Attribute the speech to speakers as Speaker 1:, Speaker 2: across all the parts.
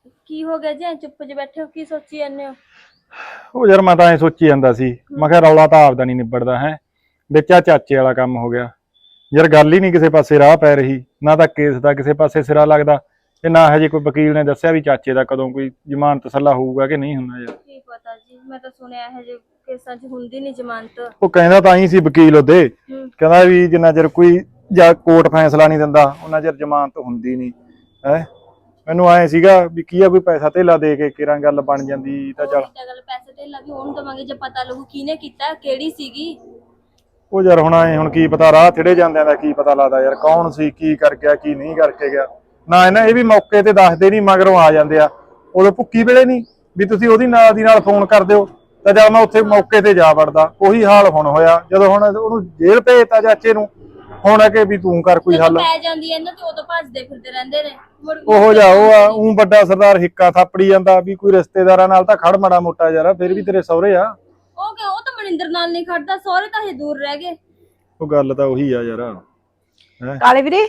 Speaker 1: ਕੀ ਹੋ ਗਿਆ ਜੀ? ਐਂ ਚੁੱਪ ਜਿਹੇ ਬੈਠੇ ਹੋ, ਕੀ ਸੋਚੀ ਜਾਂਦੇ ਹੋ?
Speaker 2: ਉਹ ਯਾਰ ਮੈਂ ਤਾਂ ਐ ਸੋਚੀ ਜਾਂਦਾ ਸੀ, ਮੈਂ ਕਿਹਾ ਰੌਲਾ ਤਾਂ ਆਪਦਾ ਨਹੀਂ ਨਿਬੜਦਾ ਹੈ, ਵਿੱਚ ਆ ਚਾਚੇ ਵਾਲਾ ਕੰਮ ਹੋ ਗਿਆ। ਯਾਰ ਗੱਲ ਹੀ ਨਹੀਂ ਕਿਸੇ ਪਾਸੇ ਰਾਹ ਪੈ ਰਹੀ, ਨਾ ਤਾਂ ਕੇਸ ਦਾ ਕਿਸੇ ਪਾਸੇ ਸਿਰਾ ਲੱਗਦਾ ਤੇ ਨਾ ਹਜੇ ਕੋਈ ਵਕੀਲ ਨੇ ਦੱਸਿਆ ਵੀ ਚਾਚੇ ਦਾ ਕਦੋਂ ਕੋਈ ਜ਼ਮਾਨਤ ਤਸੱਲਾ ਹੋਊਗਾ ਕਿ ਨਹੀਂ ਹੁੰਦਾ। ਯਾਰ
Speaker 1: ਕੀ ਪਤਾ ਜੀ, ਮੈਂ ਤਾਂ ਸੁਣਿਆ ਇਹ ਜੇ ਕੇਸਾਂ 'ਚ ਹੁੰਦੀ ਨਹੀਂ ਜ਼ਮਾਨਤ।
Speaker 2: ਉਹ ਕਹਿੰਦਾ ਤਾਂ ਹੀ ਸੀ ਵਕੀਲ ਉਹਦੇ, ਕਹਿੰਦਾ ਵੀ ਜਿੰਨਾ ਚਿਰ ਕੋਈ ਜਾਂ ਕੋਰਟ ਫੈਸਲਾ ਨਹੀਂ ਦਿੰਦਾ ਉਹਨਾਂ ਚਿਰ ਜ਼ਮਾਨਤ ਹੁੰਦੀ ਨਹੀਂ ਹੈ। ਮੈਨੂੰ ਐ ਸੀਗਾ ਵੀ ਕੀ ਆ, ਕੋਈ ਪੈਸਾ ਧੇਲਾ ਦੇ ਕੇ ਕਿਰਾਂ ਗੱਲ ਬਣ ਜਾਂਦੀ ਤਾਂ ਚੱਲ।
Speaker 1: ਗੱਲ ਪੈਸੇ ਧੇਲਾ ਵੀ ਉਹਨੂੰ ਦਵਾਂਗੇ ਜੇ ਪਤਾ ਲੱਗੂ ਕਿਹਨੇ ਕੀਤਾ, ਕਿਹੜੀ ਸੀਗੀ।
Speaker 2: ਉਹ ਯਾਰ ਹੁਣ ਕੀ ਪਤਾ, ਰਾਹ ਥਿੜੇ ਜਾਂਦਿਆਂ ਦਾ ਕੀ ਪਤਾ ਲੱਗਦਾ ਯਾਰ, ਕੌਣ ਸੀ, ਕੀ ਕਰ ਗਿਆ, ਕੀ ਨਹੀਂ ਕਰਕੇ ਗਿਆ। ਨਾ ਇਹਨਾਂ ਇਹ ਵੀ ਮੌਕੇ ਤੇ ਦੱਸਦੇ ਨਹੀਂ, ਮਗਰੋਂ ਆ ਜਾਂਦੇ ਆ। ਉਦੋਂ ਭੁੱਕੀ ਵੇਲੇ ਨਹੀਂ ਵੀ ਤੁਸੀਂ ਉਹਦੀ ਨਾਲ ਦੀ ਨਾਲ ਫੋਨ ਕਰ ਦਿਓ ਤਾਂ ਜਦ ਮੈਂ ਉੱਥੇ ਮੌਕੇ ਤੇ ਜਾ ਵੜਦਾ। ਉਹੀ ਹਾਲ ਹੁਣ ਹੋਇਆ, ਜਦੋਂ ਹੁਣ ਉਹਨੂੰ ਜੇਲ੍ਹ ਭੇਜਤਾ ਚਾਚੇ ਨੂੰ, ਹੁਣ ਕਿ ਵੀ ਤੂੰ ਕਰ ਕੋਈ ਹੱਲ।
Speaker 1: ਪੈ ਜਾਂਦੀ ਐ ਇਹਨਾਂ ਤੇ ਉਦੋਂ ਭੱਜਦੇ ਫਿਰਦੇ ਰਹਿੰਦੇ ਨੇ।
Speaker 2: ਉਹੋ ਜਿਹਾ ਉਹ ਆ, ਉਹ ਵੱਡਾ ਸਰਦਾਰ ਹਿੱਕਾ ਥਾਪੜੀ ਜਾਂਦਾ ਵੀ ਕੋਈ ਰਿਸ਼ਤੇਦਾਰਾਂ ਨਾਲ ਤਾਂ ਖੜ ਮਾੜਾ ਮੋਟਾ ਯਾਰ, ਫਿਰ ਵੀ ਤੇਰੇ ਸਹੁਰੇ ਆ।
Speaker 1: ਉਹ ਕਿ ਉਹ ਤਾਂ ਮਨਿੰਦਰ ਨਾਲ ਨਹੀਂ ਖੜਦਾ, ਸਹੁਰੇ ਤਾਂ ਹਜੇ ਦੂਰ ਰਹਿ ਗਏ।
Speaker 2: ਉਹ ਗੱਲ ਤਾਂ ਉਹੀ ਆ ਯਾਰ।
Speaker 3: ਕਾਲੇ ਵੀਰੇ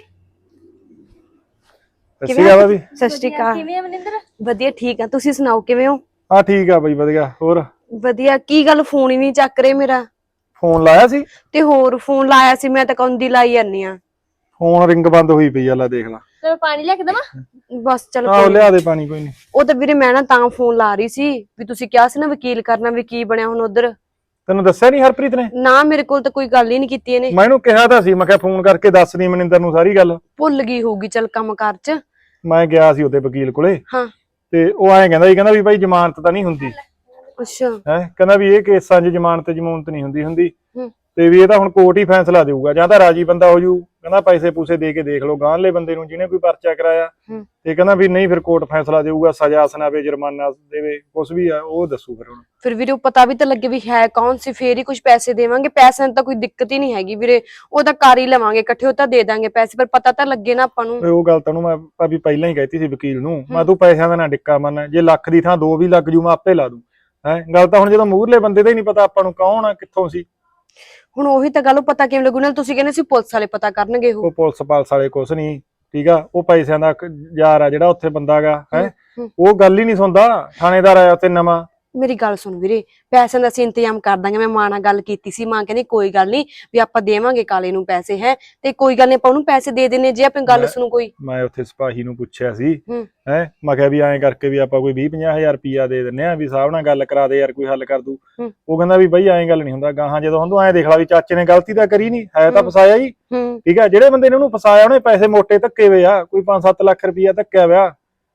Speaker 2: ਸੱਚੀ ਗੱਲ ਆ ਵੀ।
Speaker 3: ਸਤਿ ਸ਼੍ਰੀ ਅਕਾਲ।
Speaker 1: ਕਿਵੇਂ ਆ ਮਨਿੰਦਰ?
Speaker 3: ਵਧੀਆ ਠੀਕ ਆ, ਤੁਸੀਂ ਸੁਣਾਓ ਕਿਵੇਂ ਹੋ?
Speaker 2: ਹਾਂ ਠੀਕ ਆ ਬਈ, ਵਧੀਆ। ਹੋਰ
Speaker 3: ਵਧੀਆ। ਕੀ ਗੱਲ ਫੋਨ ਹੀ ਨਹੀਂ ਚੱਕ ਰਹੇ ਮੇਰਾ?
Speaker 2: ਫੋਨ ਲਾਇਆ ਸੀ
Speaker 3: ਤੇ ਹੋਰ ਫੋਨ ਲਾਇਆ ਸੀ ਮੈਂ ਤਾਂ ਕੌਂਦੀ ਲਾਈ ਜਾਂਦੀ ਆ।
Speaker 2: ਫੋਨ ਰਿੰਗ ਬੰਦ ਹੋਈ ਪਈ ਆ, ਲੈ ਦੇਖ ਲਾ।
Speaker 1: ਤੇ ਪਾਣੀ ਲੈ ਕੇ ਦੇਵਾਂ?
Speaker 3: ਬਸ ਚਲ
Speaker 2: ਆਹੋ ਲਿਆ ਦੇ ਪਾਣੀ, ਕੋਈ ਨਹੀਂ।
Speaker 3: ਉਹ ਤਾਂ ਵੀਰੇ ਮੈਂ ਨਾ ਤਾਂ ਫੋਨ ਲਾ ਰਹੀ ਸੀ ਵੀ ਤੁਸੀਂ ਕਿਹਾ ਸੀ ਨਾ ਵਕੀਲ ਕਰਨਾ, ਵੀ ਕੀ ਬਣਿਆ ਹੁਣ ਉਧਰ?
Speaker 2: ਤੈਨੂੰ ਦੱਸਿਆ ਨਹੀਂ ਹਰਪ੍ਰੀਤ ਨੇ?
Speaker 3: ਨਾ ਮੇਰੇ ਕੋਲ ਤਾਂ ਕੋਈ ਗੱਲ ਹੀ ਨਹੀਂ ਕੀਤੀ ਇਹਨੇ।
Speaker 2: ਮੈਂ ਇਹਨੂੰ ਕਿਹਾ ਤਾਂ ਸੀ, ਮੈਂ ਕਿਹਾ ਫੋਨ ਕਰਕੇ ਦੱਸ ਦੀ ਮਨਿੰਦਰ ਨੂੰ ਸਾਰੀ ਗੱਲ।
Speaker 3: ਭੁੱਲ ਗਈ ਹੋਊਗੀ ਚਲ ਕੰਮ ਕਾਰ ਚ।
Speaker 2: ਮੈਂ ਗਿਆ ਸੀ ਉਹਦੇ ਵਕੀਲ ਕੋਲੇ,
Speaker 3: ਹਾਂ
Speaker 2: ਤੇ ਉਹ ਐਂ ਕਹਿੰਦਾ ਵੀ ਭਾਈ ਜ਼ਮਾਨਤ ਤਾਂ ਨਹੀਂ ਹੁੰਦੀ
Speaker 3: ਅੱਛਾ
Speaker 2: ਹੈ। ਕਹਿੰਦਾ ਵੀ ਇਹ ਕੇਸਾਂ 'ਚ ਜ਼ਮਾਨਤ ਜ਼ਮੂਨਤ ਨਹੀਂ ਹੁੰਦੀ
Speaker 3: ਹੂੰ।
Speaker 2: ਤੇ ਵੀ ਇਹ ਤਾਂ ਹੁਣ ਕੋਰਟ ਹੀ ਫੈਸਲਾ ਦੇਊਗਾ, ਜਾਂ ਤਾਂ ਰਾਜੀ ਬੰਦਾ ਹੋ ਜੂ, ਕਹਿੰਦਾ ਪੈਸੇ ਪੂਸੇ ਦੇ ਕੇ ਦੇਖ ਲਓ ਗਾਂਹਲੇ ਬੰਦੇ ਨੂੰ ਜਿਹਨੇ ਕੋਈ ਪਰਚਾ ਕਰਾਇਆ,
Speaker 3: ਹੂੰ।
Speaker 2: ਤੇ ਕਹਿੰਦਾ ਵੀ ਨਹੀਂ ਫਿਰ ਕੋਰਟ ਫੈਸਲਾ ਦੇਊਗਾ, ਸਜ਼ਾ ਸੁਣਾਵੇ, ਜੁਰਮਾਨਾ ਦੇਵੇ, ਕੁਛ ਵੀ ਆ ਉਹ ਦੱਸੂ ਫਿਰ ਹੁਣ।
Speaker 3: ਫਿਰ ਵੀਰੇ ਉਹ ਪਤਾ ਵੀ ਤਾਂ ਲੱਗੇ ਵੀ ਹੈ ਕੌਣ ਸੀ, ਫੇਰ ਹੀ ਕੁਝ ਪੈਸੇ ਦੇਵਾਂਗੇ। ਪੈਸਿਆਂ ਦੀ ਤਾਂ ਕੋਈ ਦਿੱਕਤ ਹੀ ਨਹੀਂ ਹੈਗੀ ਵੀਰੇ, ਉਹ ਤਾਂ ਕਰ ਹੀ ਲਵਾਂਗੇ ਇਕੱਠੇ, ਉਹ ਤਾਂ ਦੇ ਦਾਂਗੇ ਪੈਸੇ, ਪਰ ਪਤਾ ਤਾਂ ਲੱਗੇ ਨਾ ਆਪਾਂ ਨੂੰ।
Speaker 2: ਉਹ ਗੱਲ ਤਾਂ ਉਹਨੂੰ ਮੈਂ ਭਾਬੀ ਪਹਿਲਾਂ ਹੀ ਕਹਿਤੀ ਸੀ ਵਕੀਲ ਨੂੰ, ਮੈਂ ਤੂੰ ਪੈਸਿਆਂ ਦਾ ਨਾ ਡਿੱਕਾ ਮੰਨ, ਜੇ ਲੱਖ ਦੀ ਥਾਂ 2 ਵੀ ਲੱਗ ਜੂ ਮੈਂ ਆਪੇ ਲਾ ਦੂੰ ਹੈ। ਗੱਲ ਤਾਂ ਹੁਣ ਜਦੋਂ ਮੂਹਰਲੇ ਬੰਦੇ ਦਾ ਹੀ ਨਹੀਂ ਪਤਾ ਆਪਾਂ ਨੂੰ ਕੌਣ ਆ ਕਿੱਥੋਂ ਸੀ।
Speaker 3: ਹੁਣ ਉਹੀ ਤਾਂ ਗੱਲ, ਪਤਾ ਕਿਵੇਂ ਲੱਗੂ? ਨਾਲ ਤੁਸੀਂ ਕਹਿੰਦੇ ਸੀ ਪੁਲਿਸ ਵਾਲੇ ਪਤਾ ਕਰਨਗੇ।
Speaker 2: ਉਹ ਪੁਲਿਸ ਪਾਲਸ ਵਾਲੇ ਕੁਛ ਨਹੀਂ, ਠੀਕ ਆ, ਉਹ ਪੈਸਿਆਂ ਦਾ ਯਾਰ ਆ ਜਿਹੜਾ ਉੱਥੇ ਬੰਦਾ ਗਾ ਹੈ, ਉਹ ਗੱਲ ਹੀ ਨਹੀਂ ਸੁਣਦਾ। ਥਾਣੇਦਾਰ ਆਇਆ ਉੱਥੇ ਨਵਾਂ।
Speaker 3: ਮੇਰੀ ਗੱਲ ਸੁਣ ਵੀਰੇ, ਪੈਸਿਆਂ ਦਾ ਅਸੀਂ ਇੰਤਜ਼ਾਮ ਕਰ ਦਾਂਗੇ। ਮੈਂ ਮਾਂ ਨਾਲ ਗੱਲ ਕੀਤੀ ਸੀ, ਮਾਂ ਕਹਿੰਦੀ ਕੋਈ ਗੱਲ ਨਹੀਂ ਵੀ ਆਪਾਂ ਦੇਵਾਂਗੇ ਕਾਲੇ ਨੂੰ ਪੈਸੇ, ਹੈ ਤੇ ਕੋਈ ਗੱਲ ਨਹੀਂ ਆਪਾਂ ਉਹਨੂੰ ਪੈਸੇ ਦੇ ਦੇਣੇ ਜੇ ਆਪਣੀ ਗੱਲ ਸੁਣੂ ਕੋਈ।
Speaker 2: ਮੈਂ ਉੱਥੇ ਸਿਪਾਹੀ ਨੂੰ ਪੁੱਛਿਆ ਸੀ
Speaker 3: ਹੂੰ।
Speaker 2: ਹੈ, ਮੈਂ ਕਿਹਾ ਵੀ ਐਂ ਕਰਕੇ ਵੀ ਆਪਾਂ ਕੋਈ 20-50 ਹਜ਼ਾਰ ਰੁਪਇਆ ਦੇ ਦਿੰਨੇ ਆ, ਵੀ ਸਾਹਿਬ ਨਾਲ ਗੱਲ ਕਰਾ ਦੇ ਯਾਰ, ਕੋਈ ਹੱਲ ਕਰ ਦੂ। ਉਹ ਕਹਿੰਦਾ ਵੀ ਬਈ ਐਂ ਗੱਲ ਨਹੀਂ ਹੁੰਦਾ, ਗਾਹਾਂ ਜਦੋਂ ਹੁਣ ਤੂੰ ਐਂ ਦੇਖ ਲਾ ਵੀ ਚਾਚੇ ਨੇ ਗਲਤੀ ਤਾਂ ਕਰੀ ਨਹੀਂ, ਹੈ ਤਾਂ ਫਸਾਇਆ ਜੀ, ਠੀਕ ਆ। ਜਿਹੜੇ ਬੰਦੇ ਨੇ ਉਹਨੂੰ ਫਸਾਇਆ ਉਹਨੇ ਪੈਸੇ ਮੋਟੇ ਧੱਕੇ ਵੇ ਆ, ਕੋਈ 5-7 ਲੱਖ ਰੁਪਇਆ ਧੱਕਿਆ ਵਿਆ।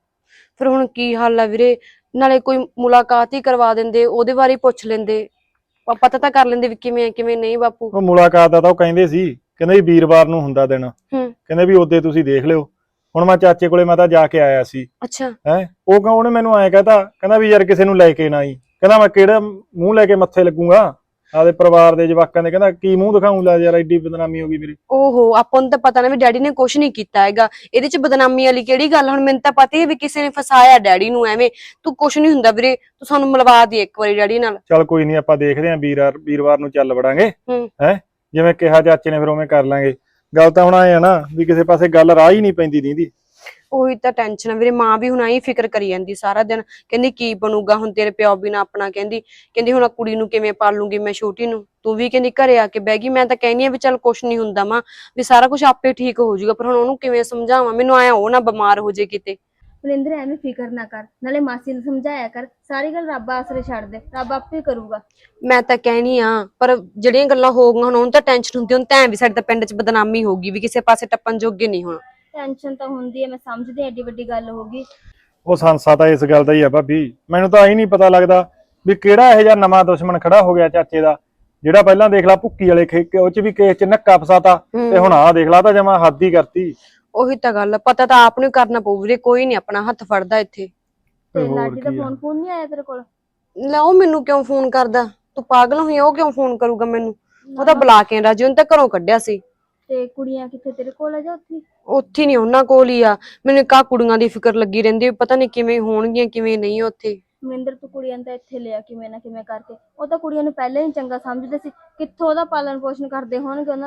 Speaker 3: ਫਿਰ ਹੁਣ ਕੀ ਹੱਲ ਆ ਵੀਰੇ? ਨਾਲੇ ਕੋਈ ਮੁਲਾਕਾਤ ਹੀ ਕਰਵਾ ਦਿੰਦੇ, ਉਹਦੇ ਬਾਰੇ ਪੁੱਛ ਲੈਂਦੇ, ਪਤਾ ਤਾਂ ਕਰ ਲੈਂਦੇ ਵੀ ਕਿਵੇਂ ਕਿਵੇਂ ਨਹੀਂ। ਬਾਪੂ
Speaker 2: ਉਹ ਮੁਲਾਕਾਤ ਦਾ ਤਾਂ ਉਹ ਕਹਿੰਦੇ ਸੀ, ਕਹਿੰਦੇ ਵੀ ਵੀਰਵਾਰ ਨੂੰ ਹੁੰਦਾ ਦਿਨ, ਕਹਿੰਦੇ ਵੀ ਉਹਦੇ ਤੁਸੀਂ ਦੇਖ ਲਿਓ। ਹੁਣ ਮੈਂ ਚਾਚੇ ਕੋਲੇ ਮੈਂ ਤਾਂ ਜਾ ਕੇ ਆਇਆ ਸੀ।
Speaker 3: ਅੱਛਾ
Speaker 2: ਹੈ, ਉਹਨੇ ਮੈਨੂੰ ਐਂ ਕਹਤਾ, ਕਹਿੰਦਾ ਵੀ ਯਾਰ ਕਿਸੇ ਨੂੰ ਲੈ ਕੇ ਨਾ ਆਈ, ਕਹਿੰਦਾ ਮੈਂ ਕਿਹੜਾ ਮੂੰਹ ਲੈ ਕੇ ਮੱਥੇ ਲੱਗੂਗਾ ਆਪਦੇ ਪਰਿਵਾਰ ਦੇ ਜਵਾਕਾਂ ਦੇ, ਕਹਿੰਦਾ ਕੀ ਮੂੰਹ ਦਿਖਾਊਂ, ਲੈ ਯਾਰ ਐਡੀ ਬਦਨਾਮੀ ਹੋ ਗਈ ਮੇਰੀ।
Speaker 3: ਓਹੋ, ਆਪਾਂ ਨੂੰ ਤਾਂ ਪਤਾ ਨਾ ਵੀ ਡੈਡੀ ਨੇ ਕੁਛ ਨਹੀਂ ਕੀਤਾ ਹੈਗਾ, ਇਹਦੇ ਚ ਬਦਨਾਮੀ ਵਾਲੀ ਕਿਹੜੀ ਗੱਲ? ਹੁਣ ਮੈਨੂੰ ਤਾਂ ਪਤਾ ਹੀ ਹੈ ਵੀ ਕਿਸੇ ਨੇ ਫਸਾਇਆ ਡੈਡੀ ਨੂੰ ਐਵੇਂ। ਤੂੰ ਕੁਛ ਨਹੀਂ ਹੁੰਦਾ ਵੀਰੇ, ਤੂੰ ਸਾਨੂੰ ਮਿਲਵਾ ਦੇ ਇੱਕ ਵਾਰੀ ਡੈਡੀ ਨਾਲ।
Speaker 2: ਚੱਲ ਕੋਈ ਨਹੀਂ, ਆਪਾਂ ਦੇਖਦੇ ਆਂ, ਵੀਰਵਾਰ ਨੂੰ ਚੱਲ ਵੜਾਂਗੇ ਹੈ, ਜਿਵੇਂ ਕਿਹਾ ਚਾਚੇ ਨੇ ਫਿਰ ਉਵੇਂ ਕਰ ਲਾਂਗੇ। ਗੱਲ ਤਾਂ ਹੁਣ ਆਏ ਆ ਨਾ ਵੀ ਕਿਸੇ ਪਾਸੇ ਗੱਲ ਰਾਹ ਹੀ ਨਹੀਂ ਪੈਂਦੀ ਦੀਦੀ।
Speaker 3: ਉਹੀ ਤਾਂ ਟੈਨਸ਼ਨ ਆ ਵੀਰੇ, ਮਾਂ ਵੀ ਹੁਣ ਆਈ ਫਿਕਰ ਕਰੀ ਜਾਂਦੀ ਸਾਰਾ ਦਿਨ, ਕਹਿੰਦੀ ਕੀ ਬਣੂਗਾ ਹੁਣ ਤੇਰੇ ਪਿਓ ਬਿਨਾ ਆਪਣਾ। ਕਹਿੰਦੀ ਹੁਣ ਕੁੜੀ ਨੂੰ ਕਿਵੇਂ ਪਾਲੂਗੀ ਮੈਂ ਛੋਟੀ ਨੂੰ? ਤੂੰ ਵੀ ਕਹਿੰਦੀ ਘਰੇ ਆ ਕੇ ਬਹਿ ਗਈ। ਮੈਂ ਤਾਂ ਕਹਿੰਦੀ ਆ ਵੀ ਚੱਲ ਕੁਛ ਨਹੀਂ ਹੁੰਦਾ ਮਾਂ, ਵੀ ਸਾਰਾ ਕੁਝ ਆਪੇ ਠੀਕ ਹੋ ਜਾਊਗਾ, ਪਰ ਹੁਣ ਉਹਨੂੰ ਕਿਵੇਂ ਸਮਝਾਵਾਂ? ਮੈਨੂੰ ਆਇਆ ਉਹ ਨਾ ਬਿਮਾਰ ਹੋ ਜੇ ਕਿਤੇ।
Speaker 1: ਮਨਿੰਦਰ ਐਵੇਂ ਫਿਕਰ ਨਾ ਕਰ, ਨਾਲੇ ਮਾਸੀ ਨੂੰ ਸਮਝਾਇਆ ਕਰ, ਸਾਰੀ ਗੱਲ ਰੱਬ ਆਸਰੇ ਛੱਡ ਦੇ, ਰੱਬ ਆਪੇ ਕਰੂਗਾ।
Speaker 3: ਮੈਂ ਤਾਂ ਕਹਿਣੀ ਆ, ਪਰ ਜਿਹੜੀਆਂ ਗੱਲਾਂ ਹੋ ਗਈਆਂ ਹੁਣ ਉਹਨੂੰ ਤਾਂ ਟੈਨਸ਼ਨ ਹੁੰਦੀ, ਹੁਣ ਤਾਂ ਵੀ ਸਾਡੇ ਤਾਂ ਪਿੰਡ 'ਚ ਬਦਨਾਮੀ ਹੋਊਗੀ, ਵੀ ਕਿਸੇ ਪਾਸੇ ਟੱਪਣ ਜੋਗੇ ਨਹੀਂ ਹੁਣ।
Speaker 1: ਟੈਨਸ਼ਨ ਤਾਂ ਹੁੰਦੀ ਹੈ, ਮੈਂ ਸਮਝਦੀ, ਐਡੀ ਵੱਡੀ ਗੱਲ ਹੋ ਗਈ।
Speaker 2: ਉਹ ਸੰਸਾ ਤਾਂ ਇਸ ਗੱਲ ਦਾ ਹੀ ਆ ਭਾਬੀ, ਮੈਨੂੰ ਤਾਂ ਇਹ ਨਹੀਂ ਪਤਾ ਲੱਗਦਾ ਵੀ ਕਿਹੜਾ ਇਹੋ ਜਿਹਾ ਨਵਾਂ ਦੁਸ਼ਮਣ ਖੜਾ ਹੋ ਗਿਆ ਚਾਚੇ ਦਾ, ਜਿਹੜਾ ਪਹਿਲਾਂ ਦੇਖ ਲਾ ਭੁੱਕੀ ਵਾਲੇ ਉਹ 'ਚ ਵੀ ਕੇਸ 'ਚ ਨੱਕਾ ਫਸਾਤਾ, ਤੇ ਹੁਣ ਆਹ ਦੇਖ ਲਾ ਤਾਂ ਜਮਾ ਹੱਦ ਹੀ ਕਰਤੀ।
Speaker 3: ਉਹੀ ਤਾਂ ਗੱਲ, ਪਤਾ ਤਾਂ ਆਪ ਨੂੰ ਕਰਨਾ ਪਊ ਵੀਰੇ, ਕੋਈ ਨਹੀਂ ਆਪਣਾ ਹੱਥ ਫੜਦਾ ਇੱਥੇ।
Speaker 1: ਤੇ ਲਾਡੀ ਦਾ ਫੋਨ ਨਹੀਂ ਆਇਆ ਤੇਰੇ ਕੋਲ?
Speaker 3: ਲੈ ਉਹ ਮੈਨੂੰ ਕਿਉਂ ਫੋਨ ਕਰਦਾ? ਤੂੰ ਪਾਗਲ ਹੋਈ? ਉਹ ਕਿਉਂ ਫੋਨ ਕਰੂਗਾ ਮੈਨੂੰ? ਉਹ ਤਾਂ ਬੁਲਾ ਕੇ ਰਾਜੀ, ਉਹਨੇ ਤਾਂ ਘਰੋਂ ਕੱਢਿਆ ਸੀ।
Speaker 1: ਤੇ ਕੁੜੀਆਂ ਕਿੱਥੇ, ਤੇਰੇ ਕੋਲ ਆ ਜਾਂ ਉੱਥੇ?
Speaker 3: ਉੱਥੇ ਨਹੀਂ, ਉਹਨਾਂ ਕੋਲ ਹੀ ਆ। ਮੈਨੂੰ ਕਾ ਕੁੜੀਆਂ ਦੀ ਫਿਕਰ ਲੱਗੀ ਰਹਿੰਦੀ, ਪਤਾ ਨਹੀਂ ਕਿਵੇਂ ਹੋਣਗੀਆਂ ਕਿਵੇਂ ਨਹੀਂ ਉੱਥੇ।
Speaker 1: ਮਨਿੰਦਰ ਤੂੰ ਕੁੜੀਆਂ ਤਾਂ ਇੱਥੇ ਲਿਆ ਕਿਵੇਂ ਨਾ ਕਿਵੇਂ ਕਰਕੇ, ਉਹ ਤਾਂ ਕੁੜੀਆਂ ਨੂੰ ਪਹਿਲਾਂ ਹੀ ਚੰਗਾ ਸਮਝਦੇ ਸੀ, ਕਿੱਥੋਂ ਉਹਦਾ ਪਾਲਣ ਪੋਸ਼ਣ ਕਰਦੇ ਹੋਣਗੇ ਉਹਨਾਂ ਦਾ।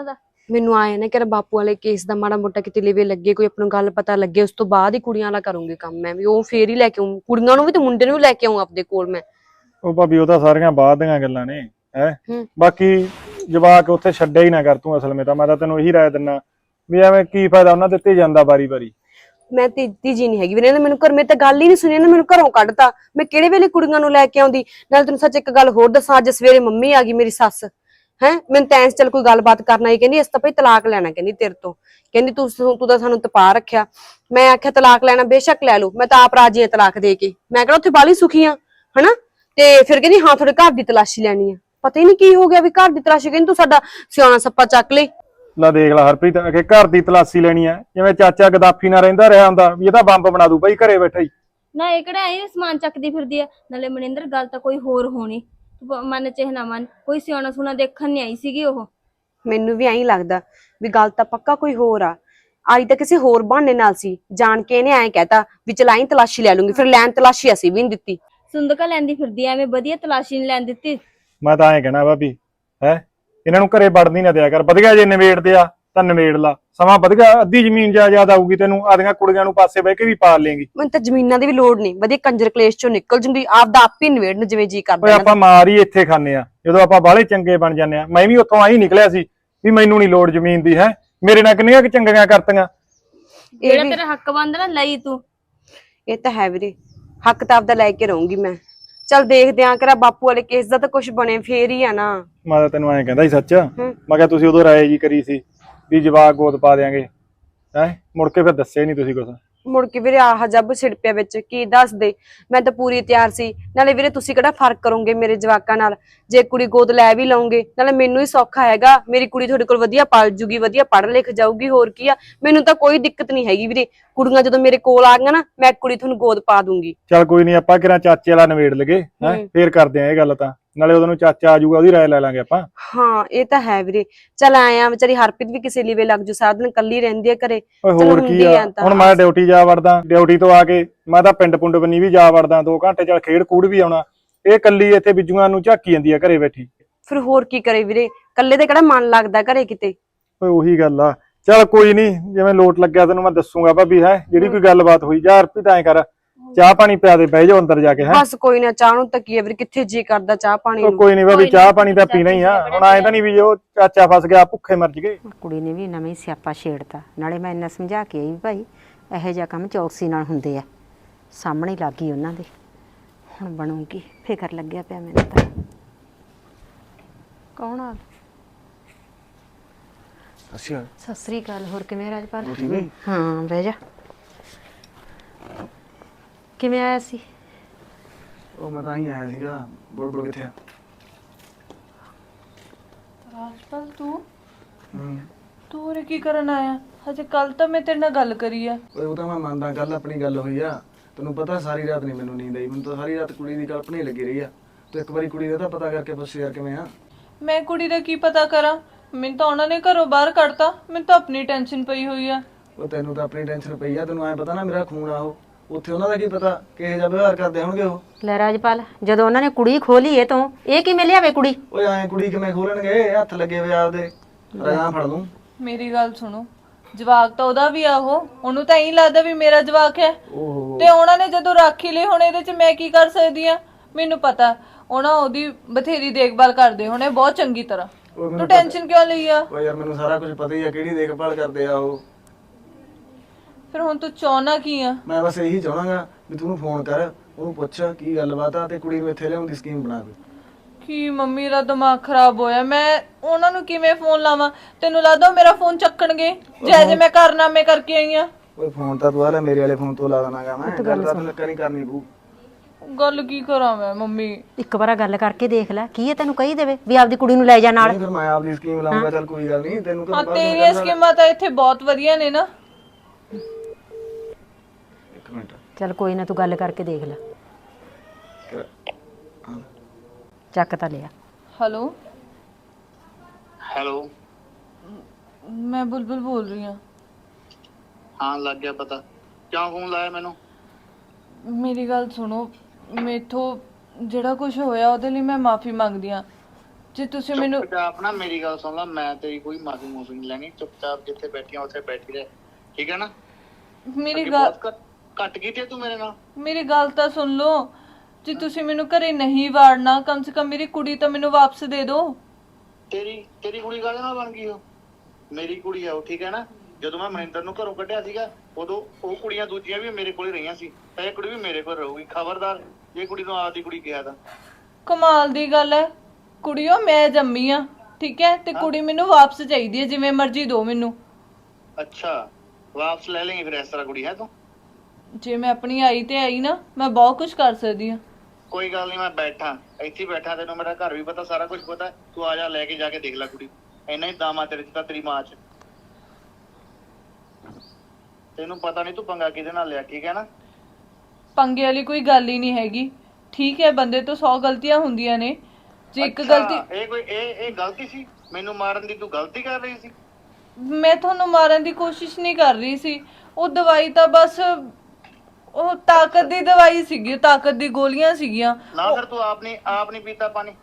Speaker 3: ਮੈਨੂੰ ਆਇਆ ਨਾ ਕਿ ਬਾਪੂ ਵਾਲੇ ਕੇਸ ਦਾ ਮਾੜਾ ਮੋਟਾ ਕਿਤੇ ਲਿਵੇ ਲੱਗੇ, ਕੋਈ ਆਪਾਂ ਨੂੰ ਗੱਲ ਪਤਾ ਲੱਗੇ, ਉਸ ਤੋਂ ਬਾਅਦ ਹੀ ਕੁੜੀਆਂ ਵਾਲਾ ਕਰੂੰਗੀ ਕੰਮ ਮੈਂ ਵੀ। ਉਹ ਫੇਰ ਹੀ ਲੈ ਕੇ ਆਉਂ ਕੁੜੀਆਂ ਨੂੰ ਵੀ ਤੇ ਮੁੰਡੇ ਨੂੰ ਵੀ ਲੈ ਕੇ ਆਉਂ ਆਪਦੇ ਕੋਲ ਮੈਂ।
Speaker 2: ਉਹ ਭਾਬੀ ਉਹ ਤਾਂ ਸਾਰੀਆਂ ਬਾਅਦ ਦੀਆਂ ਗੱਲਾਂ ਨੇ ਹੈ।
Speaker 3: ਹੂੰ।
Speaker 2: ਬਾਕੀ ਜਵਾਕ ਉੱਥੇ ਛੱਡਿਆ ਹੀ ਨਾ ਕਰ ਤੂੰ। ਅਸਲ ਵਿੱਚ ਤਾਂ ਮੈਂ ਤਾਂ ਤੈਨੂੰ ਇਹੀ ਰਾਏ ਦਿੰਦਾ ਵੀ ਐਵੇਂ ਕੀ ਫਾਇਦਾ ਉਹਨਾਂ ਦਿੱਤੇ ਜਾਂਦਾ ਵਾਰੀ
Speaker 3: ਮੈਂ ਤੀਜੀ ਨਹੀਂ ਹੈਗੀ ਵੀਰੇ, ਇਹਨੇ ਮੈਨੂੰ ਘਰ ਮੇਰੇ ਤਾਂ ਗੱਲ ਹੀ ਨਹੀਂ ਸੁਣੀ, ਇਹਨੇ ਮੈਨੂੰ ਘਰੋਂ ਕੱਢਤਾ। ਮੈਂ ਕਿਹੜੇ ਵੇਲੇ ਕੁੜੀਆਂ ਨੂੰ ਲੈ ਕੇ ਆਉਂਦੀ। ਨਾਲ ਤੈਨੂੰ ਸੱਚ ਇੱਕ ਗੱਲ ਹੋਰ ਦੱਸਾਂ, ਅੱਜ ਸਵੇਰੇ ਮੰਮੀ ਆ ਗਈ ਮੇਰੀ ਸੱਸ ਹੈ, ਮੈਨੂੰ ਤਾਂ ਚੱਲ ਕੋਈ ਗੱਲਬਾਤ ਕਰਨਾ ਹੀ, ਕਹਿੰਦੀ ਇਸ ਤਾਂ ਭਈ ਤਲਾਕ ਲੈਣਾ, ਕਹਿੰਦੀ ਤੇਰੇ ਤੋਂ, ਕਹਿੰਦੀ ਤੂੰ ਤਾਂ ਸਾਨੂੰ ਤਪਾ ਰੱਖਿਆ। ਮੈਂ ਆਖਿਆ ਤਲਾਕ ਲੈਣਾ ਬੇਸ਼ੱਕ ਲੈ ਲਓ, ਮੈਂ ਤਾਂ ਆਪ ਰਾਜੀ ਆ ਤਲਾਕ ਦੇ ਕੇ, ਮੈਂ ਕਿਹੜਾ ਉੱਥੇ ਬਾਹਲੀ ਸੁਖੀ ਆ ਹਨਾ। ਤੇ ਫਿਰ ਕਹਿੰਦੀ ਹਾਂ ਤੁਹਾਡੇ ਘਰ ਦੀ ਤਲਾਸ਼ੀ ਲੈਣੀ ਆ। ਪਤਾ ਹੀ ਨਹੀਂ ਕੀ ਹੋ ਗਿਆ ਵੀ ਘਰ ਦੀ ਤਲਾਸ਼ੀ, ਕਹਿੰਦੀ ਤੂੰ ਸਾਡਾ ਸਿਆਣਾ ਸੱਪਾ ਚੱਕ ਲਈ।
Speaker 2: ਲੈ ਦੇਖ ਲੈ ਹਰਪ੍ਰੀਤ, ਅਗੇ ਘਰ ਦੀ ਤਲਾਸ਼ੀ ਲੈਣੀ ਆ, ਜਿਵੇਂ ਚਾਚਾ ਗਦਾਫੀ ਨਾਲ ਰਹਿੰਦਾ ਰਿਹਾ ਹੁੰਦਾ ਵੀ ਇਹ ਤਾਂ ਬੰਬ ਬਣਾ ਦੂ ਭਾਈ ਘਰੇ ਬੈਠਾ ਹੀ।
Speaker 1: ਨਾ ਇਹ ਕਿਹੜਾ ਐ ਸਮਾਨ ਚੱਕਦੀ ਫਿਰਦੀ ਆ। ਨਾਲੇ ਮਨਿੰਦਰ ਗੱਲ ਤਾਂ ਕੋਈ ਹੋਰ ਹੋਣੀ, ਤੂੰ ਮਨ ਚਾਹੇ ਨਾ ਮਨ, ਕੋਈ ਸਿਆਣਾ ਸੁਣਾ ਦੇਖਣ ਨਹੀਂ ਆਈ ਸੀਗੀ ਉਹ।
Speaker 3: ਮੈਨੂੰ ਵੀ ਐਂ ਲੱਗਦਾ ਵੀ ਗੱਲ ਤਾਂ ਪੱਕਾ ਕੋਈ ਹੋਰ ਆ, ਆਈ ਤਾਂ ਕਿਸੇ ਹੋਰ ਬਹਾਨੇ ਨਾਲ ਸੀ। ਜਾਣ ਕੇ ਇਹਨੇ ਐਂ ਕਹਿਤਾ ਵੀ ਚਲਾਈ ਤਲਾਸ਼ੀ ਲੈ ਲੂੰਗੀ, ਫਿਰ ਲੈਣ ਤਲਾਸ਼ੀ ਅਸੀਂ ਵੀ ਨਹੀਂ ਦਿੱਤੀ।
Speaker 1: ਸੁੰਦਕਾ ਲੈਂਦੀ ਫਿਰਦੀ ਐ, ਐਵੇਂ ਵਧੀਆ ਤਲਾਸ਼ੀ ਨਹੀਂ ਲੈਣ ਦਿੱਤੀ।
Speaker 2: ਮੈਂ ਤਾਂ ਐਂ ਕਹਿਣਾ ਭਾਬੀ ਹੈ, ਇਹਨਾਂ ਨੂੰ ਘਰੇ ਵੜਨੀ ਨਾ ਦਿਆ ਕਰ। ਵਧੀਆ ਜੇ ਨਿਬੇੜਦੇ ਆ ਤਾਂ ਨਿਬੇੜ ਲਾ, ਸਮਾਂ ਵਧੀਆ, ਅੱਧੀ ਜ਼ਮੀਨ ਜਾਇਦਾਦ ਆਊਗੀ ਤੈਨੂੰ, ਆਦੀਆਂ ਕੁੜੀਆਂ ਨੂੰ ਪਾਸੇ ਬਹਿ ਕੇ ਵੀ ਪਾਲ ਲੇਂਗੀ।
Speaker 3: ਮੈਨੂੰ ਤਾਂ ਜ਼ਮੀਨਾਂ ਦੀ ਵੀ ਲੋੜ ਨਹੀਂ, ਵਧੀਆ ਕੰਜਰ ਕਲੇਸ਼ ਚੋਂ ਨਿਕਲ ਜੂੰਗੀ, ਆਪਦਾ ਆਪ ਹੀ ਨਿਬੇੜਨ ਜਿਵੇਂ ਜੀ
Speaker 2: ਓਏ
Speaker 3: ਕਰਦਾ।
Speaker 2: ਆਪਾਂ ਮਾਰ ਹੀ ਇੱਥੇ ਖਾਂਦੇ ਆ, ਜਦੋਂ ਆਪਾਂ ਬਾਹਲੇ ਚੰਗੇ ਬਣ ਜਾਂਦੇ ਆ। ਮੈਂ ਵੀ ਉੱਥੋਂ ਆਹੀ ਨਿਕਲਿਆ ਸੀ ਵੀ ਮੈਨੂੰ ਨਹੀਂ ਲੋੜ ਜ਼ਮੀਨ ਦੀ, ਹੈ ਮੇਰੇ ਨਾਲ ਕਿੰਨੀਆਂ ਕਿ ਚੰਗੀਆਂ ਕਰਤੀਆਂ।
Speaker 1: ਜਿਹੜਾ ਤੇਰਾ ਹੱਕ ਬਣਦਾ ਨਾ ਲਈ ਤੂੰ।
Speaker 3: ਇਹ ਤਾਂ ਹੈ ਵੀਰੇ, ਹੱਕ ਤਾਂ ਆਪਦਾ ਲੈ ਕੇ ਰਹੂੰਗੀ ਮੈਂ। ਚੱਲ ਦੇਖਦੇ ਆਂ ਕਿਹੜਾ ਬਾਪੂ ਵਾਲੇ ਕੇਸ ਦਾ ਤਾਂ ਕੁਝ ਬਣੇ ਫੇਰ ਹੀ ਆ ਨਾ।
Speaker 2: ਮੈਂ ਤਾਂ ਤੈਨੂੰ ਐਂ ਕਹਿੰਦਾ ਸੀ ਸੱਚ, ਮੈਂ ਕਿਹਾ ਤੁਸੀਂ ਉਦੋਂ ਰਾਏ ਜੀ ਕਰੀ ਸੀ ਵੀ ਜਵਾਕ ਗੋਦ ਪਾ ਦਿਆਂਗੇ, ਹੈ ਮੁੜ ਕੇ ਫਿਰ ਦੱਸਿਆ ਨਹੀਂ ਤੁਸੀਂ ਕੁਛ।
Speaker 3: ਮੁੜ ਕੇ ਵੀਰੇ ਆਹ ਜੱਬ ਛਿੜ ਪਿਆ ਵਿੱਚ, ਕੀ ਦੱਸ ਦੇ। ਮੈਂ ਤਾਂ ਪੂਰੀ ਤਿਆਰ ਸੀ। ਨਾਲੇ ਵੀਰੇ ਤੁਸੀਂ ਕਿਹੜਾ ਫਰਕ ਕਰੋਗੇ ਮੇਰੇ ਜਵਾਕਾਂ ਨਾਲ, ਜੇ ਕੁੜੀ ਗੋਦ ਲੈ ਵੀ ਲਓਗੇ ਨਾਲੇ ਮੈਨੂੰ ਹੀ ਸੌਖਾ ਹੈਗਾ। ਮੇਰੀ ਕੁੜੀ ਤੁਹਾਡੇ ਕੋਲ ਵਧੀਆ ਪਲ ਜੂਗੀ, ਵਧੀਆ ਪੜ੍ਹ ਲਿਖ ਜਾਊਗੀ, ਹੋਰ ਕੀ ਆ। ਮੈਨੂੰ ਤਾਂ ਕੋਈ ਦਿੱਕਤ ਨਹੀਂ ਹੈਗੀ ਵੀਰੇ, ਕੁੜੀਆਂ ਜਦੋਂ ਮੇਰੇ ਕੋਲ ਆ ਗਈਆਂ ਨਾ, ਮੈਂ ਕੁੜੀ ਤੁਹਾਨੂੰ ਗੋਦ ਪਾ ਦੂੰਗੀ।
Speaker 2: ਚੱਲ ਕੋਈ ਨਹੀਂ, ਆਪਾਂ ਕਿਹੜਾ ਚਾਚੇ ਵਾਲਾ ਨਿਬੇੜ ਲਗੇ, ਹੈ ਫੇਰ ਕਰਦੇ ਆ ਇਹ ਗੱਲ। ਤਾਂ ਨਾਲੇ ਉਹਨੂੰ ਚਾਚਾ ਆ ਜਾਊਗਾ, ਉਹਦੀ ਰਾਏ ਲੈ ਲਾਂਗੇ ਆਪਾਂ।
Speaker 3: ਹਾਂ ਇਹ ਤਾਂ ਹੈ ਵੀਰੇ। ਚੱਲ ਆਇਆ ਵਿਚਾਰੀ ਹਰਪ੍ਰੀਤ ਵੀ ਕਿਸੇ ਲਈ ਵੇ ਲੱਗ ਜੂ, ਸਾਰਾ ਦਿਨ ਕੱਲੀ ਰਹਿੰਦੀ ਆ ਘਰੇ।
Speaker 2: ਓਏ ਹੋਰ ਕੀ ਆ, ਹੁਣ ਮੈਂ ਡਿਊਟੀ ਜਾ ਵੜਦਾ, ਡਿਊਟੀ ਤੋਂ ਆ ਕੇ ਮੈਂ ਤਾਂ ਪਿੰਡ ਪੁੰਡ ਬੰਨੀ ਵੀ ਜਾ ਵੜਦਾ 2 ਘੰਟੇ, ਚੱਲ ਖੇਡ ਕੂੜ ਵੀ ਆਉਣਾ। ਇਹ ਕੱਲੀ ਇੱਥੇ ਬਿੱਜੂਆਂ ਨੂੰ ਝਾਕੀ ਜਾਂਦੀ ਆ ਘਰੇ ਬੈਠੀ।
Speaker 3: ਫਿਰ ਹੋਰ ਕੀ ਕਰੇ ਵੀਰੇ, ਕੱਲੇ ਤੇ ਕਿਹੜਾ ਮਨ ਲੱਗਦਾ ਘਰੇ ਕਿਤੇ।
Speaker 2: ਓਏ ਉਹੀ ਗੱਲ ਆ। ਚੱਲ ਕੋਈ ਨਹੀਂ, ਜਿਵੇਂ ਲੋਟ ਲੱਗਿਆ ਤੈਨੂੰ ਮੈਂ ਦੱਸੂਗਾ ਭਾਬੀ, ਹੈ ਜਿਹੜੀ ਕੋਈ ਗੱਲਬਾਤ ਹੋਈ। ਜਾ ਹਰਪ੍ਰੀਤ ਐਂ ਕਰ, ਚਾਹ ਪਾਣੀ ਪਿਆ ਦੇ, ਬਹਿ ਜਾਓ ਅੰਦਰ ਜਾ ਕੇ। ਹੈ
Speaker 3: ਬਸ ਕੋਈ ਨਾ, ਚਾਹ ਨੂੰ ਤੱਕੀ ਆ ਵੀਰੇ, ਕਿੱਥੇ ਜੀ ਕਰਦਾ ਚਾਹ ਪਾਣੀ ਨੂੰ।
Speaker 2: ਕੋਈ ਨਹੀਂ ਭਾਬੀ, ਚਾਹ ਪਾਣੀ ਤਾਂ ਪੀਣਾ ਹੀ ਆ। ਹੁਣ ਐਂ ਤਾਂ ਨਹੀਂ ਵੀ ਉਹ ਚਾਚਾ ਫਸ ਗਿਆ ਭੁੱਖੇ ਮਰ ਜਗੇ।
Speaker 4: ਕੁੜੀ ਨੇ ਵੀ ਨਵੇਂ ਸਿਆਪਾ ਛੇੜਤਾ। ਨਾਲੇ ਮੈਂ ਇੰਨਾ ਸਮਝਾ ਕੇ ਆਈ ਵੀ ਭਾਈ ਇਹੋ ਜਿਹਾ ਕੰਮ ਚੌਕਸੀ ਨਾਲ ਹੁੰਦੇ ਆ, ਸਾਹਮਣੇ ਲੱਗ ਗਈ ਉਹਨਾਂ ਦੇ। ਹੁਣ ਬਣੂਗੀ, ਫਿਕਰ ਲੱਗਿਆ ਪਿਆ ਮੈਨੂੰ ਤਾਂ। ਕੌਣ ਆ? ਸਤਿ ਸ੍ਰੀ ਅਕਾਲ। ਹੋਰ ਕਿਵੇਂ ਰਾਜਪਾਲ? ਹਾਂ ਬਹਿ ਜਾ। ਕਿਵੇਂ ਆਇਆ ਸੀ?
Speaker 5: ਉਹ ਮੈਂ ਤਾਂ ਹੀ ਆਇਆ ਸੀਗਾ। ਬੁਲਬੁਲ ਕਿੱਥੇ ਆ?
Speaker 6: ਰਾਜਪਾਲ ਤੂੰ ਉਰੇ ਕੀ ਕਰਨ ਆਇਆ? ਹਜੇ ਕੱਲ ਤਾਂ ਮੈਂ ਤੇਰੇ ਨਾਲ ਗੱਲ ਕਰੀ ਆ।
Speaker 5: ਓਏ ਉਹ ਤਾਂ ਮੈਂ ਮੰਨਦਾ, ਕੱਲ ਆਪਣੀ ਗੱਲ ਹੋਈ ਆ। ਤੈਨੂੰ ਪਤਾ ਸਾਰੀ ਰਾਤ ਨਹੀਂ ਮੈਨੂੰ ਨੀਂਦ ਆਈ, ਮੈਨੂੰ ਤਾਂ ਸਾਰੀ ਰਾਤ ਕੁੜੀ ਦੀ ਕਲਪਨਾ ਹੀ ਲੱਗੀ ਰਹੀ ਆ। ਤੂੰ ਇੱਕ ਵਾਰੀ ਕੁੜੀ ਦਾ ਤਾਂ ਪਤਾ ਕਰਕੇ ਪੁੱਛ ਯਾਰ ਕਿਵੇਂ ਆ।
Speaker 6: ਮੈਂ ਕੁੜੀ ਦਾ ਕੀ ਪਤਾ ਕਰਾਂ, ਮੈਨੂੰ ਤਾਂ ਉਹਨਾਂ ਨੇ ਘਰੋਂ ਬਾਹਰ ਕੱਢਤਾ। ਮੈਨੂੰ ਤਾਂ ਆਪਣੀ ਟੈਨਸ਼ਨ ਪਈ ਹੋਈ ਆ।
Speaker 5: ਉਹ ਤੈਨੂੰ ਤਾਂ ਆਪਣੀ ਟੈਨਸ਼ਨ ਪਈ ਆ, ਤੈਨੂੰ ਐ ਪਤਾ ਨਾ ਮੇਰਾ ਖੂਨ ਆ ਉਹ। ਉੱਥੇ ਉਹਨਾਂ ਦਾ ਕੀ ਪਤਾ ਕਿਹੋ ਜਿਹਾ ਵਿਵਹਾਰ ਕਰਦੇ ਹੋਣਗੇ ਉਹ।
Speaker 4: ਲੈ ਰਾਜਪਾਲ, ਜਦੋਂ ਉਹਨਾਂ ਨੇ ਕੁੜੀ ਖੋਲੀ ਇਹ ਤੋਂ, ਇਹ ਕਿਵੇਂ ਲਿਆਵੇ ਕੁੜੀ?
Speaker 5: ਓਏ ਐਂ ਕੁੜੀ ਕਿਵੇਂ ਖੋਲਣਗੇ, ਹੱਥ ਲੱਗੇ ਹੋਏ ਆਪਦੇ। ਰਜਾਂ ਫੜ ਲੂੰ।
Speaker 6: ਮੇਰੀ ਗੱਲ ਸੁਣੋ, ਜਵਾਕ ਤਾਂ ਉਹਦਾ ਵੀ ਆ, ਉਹਨੂੰ ਤਾਂ ਇਹੀ ਲੱਗਦਾ ਵੀ ਮੇਰਾ ਜਵਾਕ ਹੈ।
Speaker 5: ਓਹੋ
Speaker 6: ਤੇ ਉਹਨਾਂ ਨੇ ਜਦੋਂ ਰਾਖੀ ਲਈ, ਹੁਣ ਇਹਦੇ 'ਚ ਮੈਂ ਕੀ ਕਰ ਸਕਦੀ ਆ? ਮੈਨੂੰ ਪਤਾ ਉਹਨਾਂ ਉਹਦੀ ਬਥੇਰੀ ਦੇਖਭਾਲ ਕਰਦੇ ਹੋਣੇ ਬਹੁਤ ਚੰਗੀ ਤਰ੍ਹਾਂ। ਤੂੰ ਟੈਨਸ਼ਨ ਕਿਉਂ ਲਈ ਆ?
Speaker 5: ਓਏ ਯਾਰ ਮੈਨੂੰ ਸਾਰਾ ਕੁਝ ਪਤਾ ਹੀ ਆ, ਕਿਹੜੀ ਦੇਖਭਾਲ ਕਰਦੇ ਆ ਉਹ।
Speaker 6: ਫਿਰ ਹੁਣ ਤੂੰ ਚਾਹਨਾ ਕੀ ਆ?
Speaker 5: ਮੈਂ ਬਸ ਇਹੀ ਚਾਹਣਾਗਾ ਵੀ ਤੂੰ ਉਹਨੂੰ ਫੋਨ ਕਰ, ਉਹਨੂੰ ਪੁੱਛ ਕੀ ਗੱਲਬਾਤ ਆ, ਤੇ ਕੁੜੀ ਨੂੰ ਇੱਥੇ ਲਿਆਉਣ ਦੀ ਸਕੀਮ ਬਣਾ ਦੇ।
Speaker 6: ਕੀ ਮੰਮੀ ਦਾ ਦਿਮਾਗ ਖਰਾਬ ਹੋਇਆ, ਮੈਂ ਉਹਨਾਂ ਨੂੰ ਕਿਵੇਂ ਫੋਨ ਲਾਵਾਂ? ਤੈਨੂੰ ਲੱਗਦਾ ਉਹ ਮੇਰਾ ਫੋਨ ਚੱਕਣਗੇ ਜੇ ਮੈਂ ਕਾਰਨਾਮੇ ਕਰਕੇ ਆਈ ਆ?
Speaker 5: ਓਏ ਫੋਨ ਤਾਂ ਤੂੰ ਆ ਲੈ ਮੇਰੇ ਵਾਲੇ ਫੋਨ ਤੋਂ ਲਾ ਦੇਣਾਗਾ ਮੈਂ। ਗੱਲ ਤਾਂ ਤੈਨੂੰ ਨਹੀਂ ਕਰਨੀ ਪਊ।
Speaker 6: ਗੱਲ ਕੀ ਕਰਾਂ ਮੈਂ ਮੰਮੀ?
Speaker 4: ਇੱਕ ਵਾਰ ਗੱਲ ਕਰਕੇ ਦੇਖ ਲੈ, ਕੀ ਇਹ ਤੈਨੂੰ ਕਹੀ ਦੇਵੇ ਵੀ ਆਪਦੀ ਕੁੜੀ ਨੂੰ ਲੈ ਜਾ ਨਾਲ।
Speaker 5: ਨਹੀਂ ਫਿਰ ਮੈਂ ਆਪਦੀ ਸਕੀਮ ਲਾਉਂਗਾ। ਚੱਲ ਕੋਈ ਗੱਲ ਨਹੀਂ, ਤੈਨੂੰ
Speaker 6: ਹਾਂ ਤੇਰੀਆਂ ਸਕੀਮਾਂ ਤਾਂ ਇੱਥੇ ਬਹੁਤ ਵਧੀਆ ਨੇ ਨਾ।
Speaker 5: ਇੱਕ ਮਿੰਟ
Speaker 4: ਚੱਲ ਕੋਈ ਨਾ, ਤੂੰ ਗੱਲ ਕਰਕੇ ਦੇਖ ਲੈ। ਚੱਕ ਤਾਂ ਲਿਆ।
Speaker 6: ਹੈਲੋ
Speaker 7: ਹੈਲੋ,
Speaker 6: ਮੈਂ ਬੁਲਬੁਲ ਬੋਲ ਰਹੀ ਹਾਂ।
Speaker 7: ਹਾਂ ਲੱਗ ਗਿਆ ਪਤਾ। ਕਿਉਂ ਫੋਨ ਲਾਇਆ ਮੈਨੂੰ?
Speaker 6: ਮੇਰੀ ਗੱਲ ਸੁਣੋ, ਮੇਥੋਂ ਜਿਹੜਾ ਕੁਝ ਹੋਇਆ ਉਹਦੇ ਲਈ ਮੈਂ ਮਾਫੀ ਮੰਗਦੀ ਹਾਂ। ਜੇ ਤੁਸੀਂ ਮੈਨੂੰ
Speaker 7: ਚੁੱਪਚਾਪ ਨਾ ਮੇਰੀ ਗੱਲ ਸੁਣ ਲੈ, ਮੈਂ ਤੇਰੀ ਕੋਈ ਮਾਫੀ ਮੂਫੀ ਨਹੀਂ ਲੈਣੀ, ਚੁੱਪਚਾਪ ਜਿੱਥੇ ਬੈਠੀਆਂ ਉੱਥੇ ਬੈਠੀ ਰਹਿ, ਠੀਕ ਹੈ ਨਾ?
Speaker 6: ਮੇਰੀ
Speaker 7: ਅੱਗੇ
Speaker 6: ਗੱਲ
Speaker 7: ਬਹੁਤ ਘੱਟ ਕੀਤੀ ਹੈ ਤੂੰ ਮੇਰੇ ਨਾਲ।
Speaker 6: ਮੇਰੀ ਗੱਲ ਤਾਂ ਸੁਣ ਲਓ। ਜੇ ਤੁਸੀਂ ਮੈਨੂੰ ਘਰੇ ਨਹੀਂ ਵਾੜਨਾ, ਕਮ ਸੇ ਕਮ ਮੇਰੀ ਕੁੜੀ ਤਾਂ ਮੈਨੂੰ ਵਾਪਸ ਦੇ ਦਿਓ।
Speaker 7: ਤੇਰੀ ਕੁੜੀ ਕਾਹਦੇ ਨਾਲ ਬਣ ਗਈ? ਉਹ ਮੇਰੀ ਕੁੜੀ ਆ ਉਹ, ਠੀਕ ਹੈ ਨਾ? ਜਦੋਂ ਮੈਂ ਮਨਿੰਦਰ ਨੂੰ ਘਰੋਂ ਕੱਢਿਆ ਸੀਗਾ ਉਦੋਂ ਉਹ ਕੁੜੀਆਂ ਦੂਜੀਆਂ ਵੀ ਮੇਰੇ ਕੋਲ ਹੀ ਰਹੀਆਂ ਸੀ, ਤੇ ਇਹ ਕੁੜੀ ਵੀ ਮੇਰੇ ਕੋਲ ਰਹੂਗੀ। ਖਬਰਦਾਰ ਜੇ ਕੁੜੀ ਨੂੰ ਆਪਦੀ ਕੁੜੀ ਕਿਹਾ ਤਾਂ।
Speaker 6: ਕਮਾਲ ਦੀ ਗੱਲ ਹੈ। ਕੁੜੀਓ ਮੈਂ ਜੰਮੀ ਆ, ਠੀਕ ਹੈ, ਤੇ ਕੁੜੀ ਮੈਨੂੰ ਵਾਪਸ ਚਾਹੀਦੀ ਹੈ, ਜਿਵੇਂ ਮਰਜ਼ੀ ਦਿਓ ਮੈਨੂੰ।
Speaker 7: ਅੱਛਾ, ਵਾਪਸ ਲੈ ਲੇਂਗੀ ਫਿਰ ਇਸ ਤਰ੍ਹਾਂ ਕੁੜੀ ਹੈ ਤੂੰ?
Speaker 6: ਜੇ ਮੈਂ ਆਪਣੀ ਆਈ ਤੇ ਆਈ ਨਾ, ਮੈਂ ਬਹੁਤ ਕੁਝ ਕਰ ਸਕਦੀ ਹਾਂ।
Speaker 7: ਕੋਈ ਗੱਲ ਨਹੀਂ, ਮੈਂ ਬੈਠਾ ਇੱਥੇ ਹੀ ਬੈਠਾ, ਤੈਨੂੰ ਮੇਰਾ ਘਰ ਵੀ ਪਤਾ, ਸਾਰਾ ਕੁਝ ਪਤਾ। ਤੂੰ ਆ ਜਾ, ਲੈ ਕੇ ਜਾ ਕੇ ਦੇਖ ਲੈ ਕੁੜੀ। ਇੰਨਾ ਹੀ ਦਾਮਾ ਤੇਰੇ ਚ ਤਾਂ ਤੇਰੀ ਮਾਂ ਚ। ਤੈਨੂੰ ਪਤਾ ਨਹੀਂ ਤੂੰ ਪੰਗਾ ਕਿਹਦੇ ਨਾਲ ਲਿਆ, ਠੀਕ ਹੈ ਨਾ?
Speaker 6: ਪੰਗੇ ਵਾਲੀ ਕੋਈ ਗੱਲ ਹੀ ਨਹੀਂ ਹੈਗੀ, ਠੀਕ ਹੈ? ਬੰਦੇ ਤੋਂ 100 ਗਲਤੀਆਂ ਹੁੰਦੀਆਂ ਨੇ, ਜੇ ਇੱਕ ਗਲਤੀ।
Speaker 7: ਇਹ ਗਲਤੀ ਸੀ ਮੈਨੂੰ ਮਾਰਨ ਦੀ? ਤੂੰ ਗਲਤੀ ਕਰ ਰਹੀ ਸੀ?
Speaker 6: ਮੈਂ ਤੁਹਾਨੂੰ ਮਾਰਨ ਦੀ ਕੋਸ਼ਿਸ਼ ਨਹੀਂ ਕਰ ਰਹੀ ਸੀ। ਉਹ ਦਵਾਈ ਤਾਂ ਬਸ ਉਹ ਤਾਕਤ ਦੀ ਦਵਾਈ ਸੀਗੀ, ਤਾਕਤ ਦੀ ਗੋਲੀਆਂ ਸੀਗੀਆਂ।
Speaker 7: ਨਾ ਫਿਰ ਤੂੰ ਆਪ ਨਹੀਂ ਪੀਤਾ ਪਾਣੀ?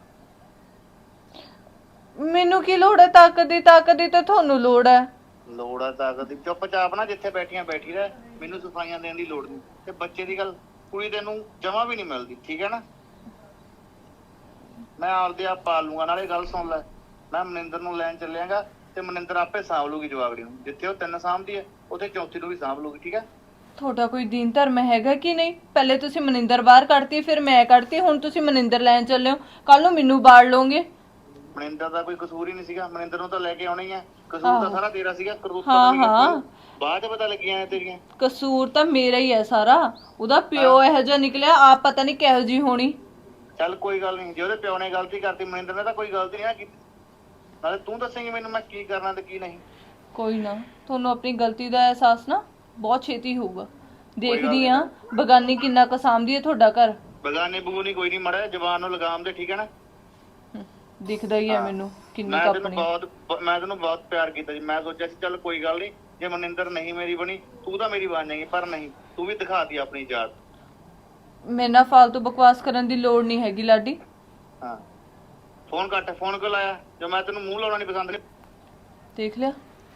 Speaker 6: ਮੈਨੂੰ ਕੀ ਲੋੜ ਹੈ ਤਾਕਤ ਦੀ? ਤਾਕਤ ਦੀ ਤਾਂ ਤੁਹਾਨੂੰ ਲੋੜ ਹੈ।
Speaker 7: ਲੋੜ ਆ ਤਾਕਤ ਦੀ? ਚੁੱਪਚਾਪ ਨਾ ਜਿੱਥੇ ਬੈਠੀਆਂ ਬੈਠੀ ਰਹਿ, ਮੈਨੂੰ ਸਫਾਈਆਂ ਦੇਣ ਦੀ ਲੋੜ ਨਹੀਂ। ਤੇ ਬੱਚੇ ਦੀ ਗੱਲ, ਕੁੜੀ ਤੈਨੂੰ ਜਮਾ ਵੀ ਨਹੀਂ ਮਿਲਦੀ, ਠੀਕ ਹੈ ਨਾ? ਮੈਂ ਆਪਦੇ ਆਪ ਪਾਲ ਲੂੰਗਾ। ਨਾਲੇ ਗੱਲ ਸੁਣ ਲੈ, ਮੈਂ ਮਨਿੰਦਰ ਨੂੰ ਲੈਣ ਚੱਲਿਆਗਾ ਤੇ ਮਨਿੰਦਰ ਆਪੇ ਸਾਂਭ ਲੂਗੀ ਜਵਾਬੜੀ ਨੂੰ। ਜਿੱਥੇ ਉਹ 3 ਸਾਂਭਦੀ ਹੈ ਉੱਥੇ ਚੌਥੀ ਨੂੰ ਵੀ ਸਾਂਭ ਲੂਗੀ, ਠੀਕ ਹੈ?
Speaker 6: ਤੁਹਾਡਾ ਕੋਈ ਦੀਨ ਧਰਮ ਹੈਗਾ ਕਿ ਨਹੀਂ? ਪਹਿਲੇ ਤੁਸੀਂ ਮਨਿੰਦਰ ਬਾਹਰ ਕੱਢਤੀ, ਫਿਰ ਮੈਂ ਕੱਢਤੀ, ਹੁਣ ਤੁਸੀਂ ਮਨਿੰਦਰ ਲੈਣ ਚੱਲੇ ਹੋ, ਕੱਲ ਨੂੰ ਮੈਨੂੰ ਬਾੜ ਲਓਗੇ।
Speaker 7: ਮਨਿੰਦਰ ਦਾ ਕੋਈ ਕਸੂਰ ਹੀ ਨਹੀਂ ਸੀਗਾ, ਮਨਿੰਦਰ ਨੂੰ ਤਾਂ ਲੈ ਕੇ ਆਉਣਾ ਹੀ ਹੈ। ਕਸੂਰ ਤਾਂ ਸਾਰਾ ਤੇਰਾ ਸੀਗਾ।
Speaker 6: ਹਾਂ
Speaker 7: ਬਾਅਦ ਚ ਪਤਾ ਲੱਗੀਆਂ ਨੇ ਤੇਰੀਆਂ।
Speaker 6: ਕਸੂਰ ਤਾਂ ਮੇਰਾ ਹੀ ਹੈ ਸਾਰਾ। ਉਹਦਾ ਪਿਓ ਇਹੋ ਜਿਹਾ ਨਿਕਲਿਆ, ਆਪ ਪਤਾ ਨਹੀਂ ਕਿਹੋ ਜਿਹੀ ਹੋਣੀ।
Speaker 7: ਚੱਲ ਕੋਈ ਗੱਲ ਨਹੀਂ, ਜੇ ਉਹਦੇ ਪਿਓ ਨੇ ਗਲਤੀ ਕਰਤੀ, ਮਨਿੰਦਰ ਨੇ ਤਾਂ ਕੋਈ ਗਲਤੀ ਨਹੀਂ ਕੀਤੀ। ਨਾਲੇ ਤੂੰ ਦੱਸੇਂਗੀ ਮੈਨੂੰ ਮੈਂ ਕੀ ਕਰਨਾ ਤੇ ਕੀ ਨਹੀਂ।
Speaker 6: ਕੋਈ ਨਾ, ਤੁਹਾਨੂੰ ਆਪਣੀ ਗਲਤੀ ਦਾ ਅਹਿਸਾਸ ਨਾ ਬਹੁਤ ਛੇਤੀ ਹੋਊਗਾ। ਦੇਖਦੀ ਆ ਬਗਾਨੀ ਕਿੰਨਾ ਕਸਾਮਦੀ ਹੈ ਤੁਹਾਡਾ ਘਰ।
Speaker 7: ਬਗਾਨੇ ਬਗੂਨੀ ਕੋਈ ਨਹੀਂ, ਮੜਾ ਜ਼ਬਾਨ ਨੂੰ ਲਗਾਮ ਦੇ, ਠੀਕ ਹੈ ਨਾ?
Speaker 6: ਦਿਖਦਾ ਹੀ ਹੈ ਮੈਨੂੰ ਕਿੰਨੀ
Speaker 7: ਮੈਂ
Speaker 6: ਕੰਪਨੀ।
Speaker 7: ਤੈਨੂੰ ਬਹੁਤ ਪਿਆਰ ਕੀਤਾ ਜੀ। ਮੈਂ ਸੋਚਿਆ ਸੀ ਚੱਲ ਕੋਈ ਗੱਲ ਨਹੀਂ, ਜੇ ਮਨਿੰਦਰ ਨਹੀਂ ਮੇਰੀ ਬਣੀ ਤੂੰ ਤਾਂ ਮੇਰੀ ਬਣ ਜਾਏਗੀ, ਪਰ ਨਹੀਂ, ਤੂੰ ਵੀ ਦਿਖਾਤੀ ਆਪਣੀ ਜਾਤ।
Speaker 6: ਮੇਰੇ ਨਾਲ ਫालतू ਬਕਵਾਸ ਕਰਨ ਦੀ ਲੋੜ ਨਹੀਂ ਹੈਗੀ ਲਾਡੀ।
Speaker 7: ਹਾਂ, ਫੋਨ ਕੱਟ। ਫੋਨ ਕਿਉਂ ਲਾਇਆ? ਜੋ ਮੈਂ ਤੈਨੂੰ ਮੂੰਹ ਲਾਉਣਾ ਨਹੀਂ ਪਸੰਦ ਨਹੀਂ।
Speaker 6: ਦੇਖ ਲਿਆ?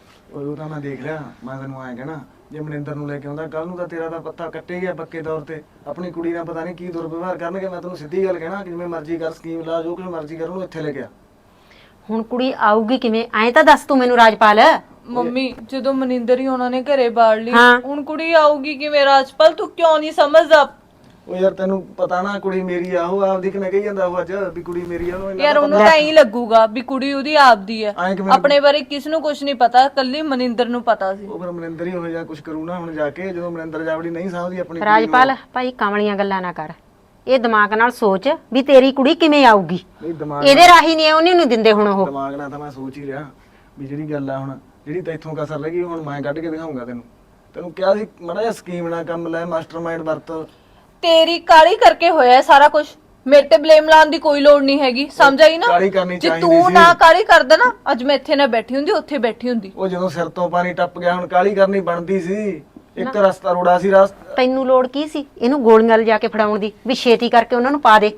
Speaker 5: ਉਹ ਤਾਂ ਮੈਂ ਦੇਖ ਲਿਆ। ਮੈਂ ਤੈਨੂੰ ਆਇਆ ਕਹਿਣਾ, ਜੇ ਮਨਿੰਦਰ ਨੂੰ ਲੈ ਕੇ ਆਉਂਦਾ ਕੱਲ ਨੂੰ ਤਾਂ ਤੇਰਾ ਤਾਂ ਪੱਤਾ ਕੱਟੇ ਗਿਆ ਪੱਕੇ ਤੌਰ ਤੇ। ਆਪਣੀ ਕੁੜੀ ਨਾਲ ਪਤਾ ਨਹੀਂ ਕੀ ਦੁਰਵਿਵਹਾਰ ਕਰਨਗੇ। ਮੈਂ ਤੈਨੂੰ ਸਿੱਧੀ ਗੱਲ ਕਹਿਣਾ, ਜਿਵੇਂ ਮਰਜ਼ੀ ਕਰ, ਸਕੀਮ ਲਾ, ਜੋ ਕੁਝ ਮਰਜ਼ੀ ਕਰ, ਉਹਨੂੰ ਇੱਥੇ ਲੈ ਗਿਆ।
Speaker 4: ਹੁਣ ਕੁੜੀ ਆਊਗੀ ਕਿਵੇਂ? ਐਂ ਤਾਂ ਦੱਸ ਤੂੰ ਮੈਨੂੰ ਰਾਜਪਾਲ।
Speaker 6: ਮੰਮੀ ਜਦੋਂ ਮਨਿੰਦਰ ਹੀ ਉਹਨਾਂ ਨੇ ਘਰੇ ਬਾੜ ਲਈ,
Speaker 4: ਹਾਂ।
Speaker 6: ਹੁਣ ਕੁੜੀ ਆਊਗੀ ਕਿਵੇਂ? ਰਾਜਪਾਲ ਤੂੰ ਕਿਉਂ ਨਹੀਂ ਸਮਝਦਾ?
Speaker 5: ਉਹ ਯਾਰ ਤੈਨੂੰ ਪਤਾ ਨਾ ਕੁੜੀ ਮੇਰੀ ਆ, ਉਹ ਆਪਦੀ ਕਿਵੇਂ ਕਹੀ ਜਾਂਦਾ ਉਹ ਅੱਜ ਵੀ ਕੁੜੀ ਮੇਰੀ ਆ। ਉਹਨੂੰ
Speaker 6: ਯਾਰ ਉਹਨੂੰ ਤਾਂ ਐਂ ਲੱਗੂਗਾ ਵੀ ਕੁੜੀ ਉਹਦੀ ਆਪਦੀ ਹੈ।
Speaker 5: ਐਂ ਕਿਵੇਂ?
Speaker 6: ਆਪਣੇ ਬਾਰੇ ਕਿਸ ਨੂੰ ਕੁਝ ਨਹੀਂ ਪਤਾ, ਕੱਲੀ ਮਨਿੰਦਰ ਨੂੰ ਪਤਾ ਸੀ।
Speaker 5: ਉਹ ਫਿਰ ਮਨਿੰਦਰ ਹੀ ਹੋ ਜਾ ਕੁਝ ਕਰੂ ਨਾ ਹੁਣ ਜਾ ਕੇ, ਜਦੋਂ ਮਨਿੰਦਰ ਜਾਵੜੀ ਨਹੀਂ ਸਾਂਭਦੀ ਆਪਣੀ ਕੁੜੀ ਨੂੰ।
Speaker 4: ਰਾਜਪਾਲ ਭਾਈ ਕਮਲੀਆਂ ਗੱਲਾਂ ਨਾ ਕਰ। ਇਹ ਦਿਮਾਗ ਨਾਲ ਸੋਚ ਵੀ ਤੇਰੀ ਕੁੜੀ ਕਿਵੇਂ ਆਊਗੀ।
Speaker 5: ਨਹੀਂ ਦਿਮਾਗ
Speaker 4: ਇਹਦੇ ਰਾਹੀ ਨਹੀਂ ਉਹਨੇ ਨੂੰ ਦਿੰਦੇ ਹੁਣ ਉਹ।
Speaker 5: ਦਿਮਾਗ ਨਾਲ ਤਾਂ ਮੈਂ ਸੋਚ ਹੀ ਰਿਹਾ ਵੀ ਜਿਹੜੀ ਗੱਲ ਆ ਹੁਣ, ਜਿਹੜੀ ਤੈਥੋਂ ਕਸਰ ਲੱਗੀ ਹੁਣ ਮੈਂ ਕੱਢ ਕੇ ਦਿਖਾਉਂਗਾ ਤੈਨੂੰ। ਤੈਨੂੰ ਕਿਹਾ ਸੀ ਮਾੜਾ ਜਿਹਾ ਸਕੀਮ ਨਾਲ ਕੰਮ ਲੈ, ਮਾਸਟਰਮਾਈਂਡ ਵਰਤ।
Speaker 6: ਤੇਰੀ ਕਾਲੀ ਕਰਕੇ ਹੋਇਆ ਸਾਰਾ ਕੁਝ। ਮੇਰੇ ਤੇ ਬਲੇਮ ਲਾਉਣ ਦੀ ਕੋਈ ਲੋੜ ਨਹੀਂ ਹੈਗੀ, ਸਮਝ ਆਈ ਨਾ?
Speaker 5: ਕਾਹਲੀ ਕਰਨੀ
Speaker 6: ਜੇ
Speaker 5: ਚਾਹੀਦੀ
Speaker 6: ਤੂੰ
Speaker 5: ਸੀ।
Speaker 6: ਨਾ ਕਾਲੀ ਕਰਦਾ ਨਾ, ਅੱਜ ਮੈਂ ਇੱਥੇ ਨਾ ਬੈਠੀ ਹੁੰਦੀ, ਉੱਥੇ ਬੈਠੀ ਹੁੰਦੀ।
Speaker 5: ਉਹ ਜਦੋਂ ਸਿਰ ਤੋਂ ਪਾਣੀ ਟੱਪ ਗਿਆ, ਹੁਣ ਕਾਹਲੀ ਕਰਨੀ ਬਣਦੀ ਸੀ। ਇੱਕ ਰਸਤਾ ਰੋੜਾ ਸੀ, ਰਸਤਾ।
Speaker 4: ਤੈਨੂੰ ਲੋੜ ਕੀ ਸੀ ਇਹਨੂੰ ਗੋਲੀਆਂ ਲਿਜਾ ਕੇ ਫੜਾਉਣ ਦੀ, ਵੀ ਛੇਤੀ ਕਰਕੇ ਉਹਨਾਂ ਨੂੰ ਪਾ ਦੇ।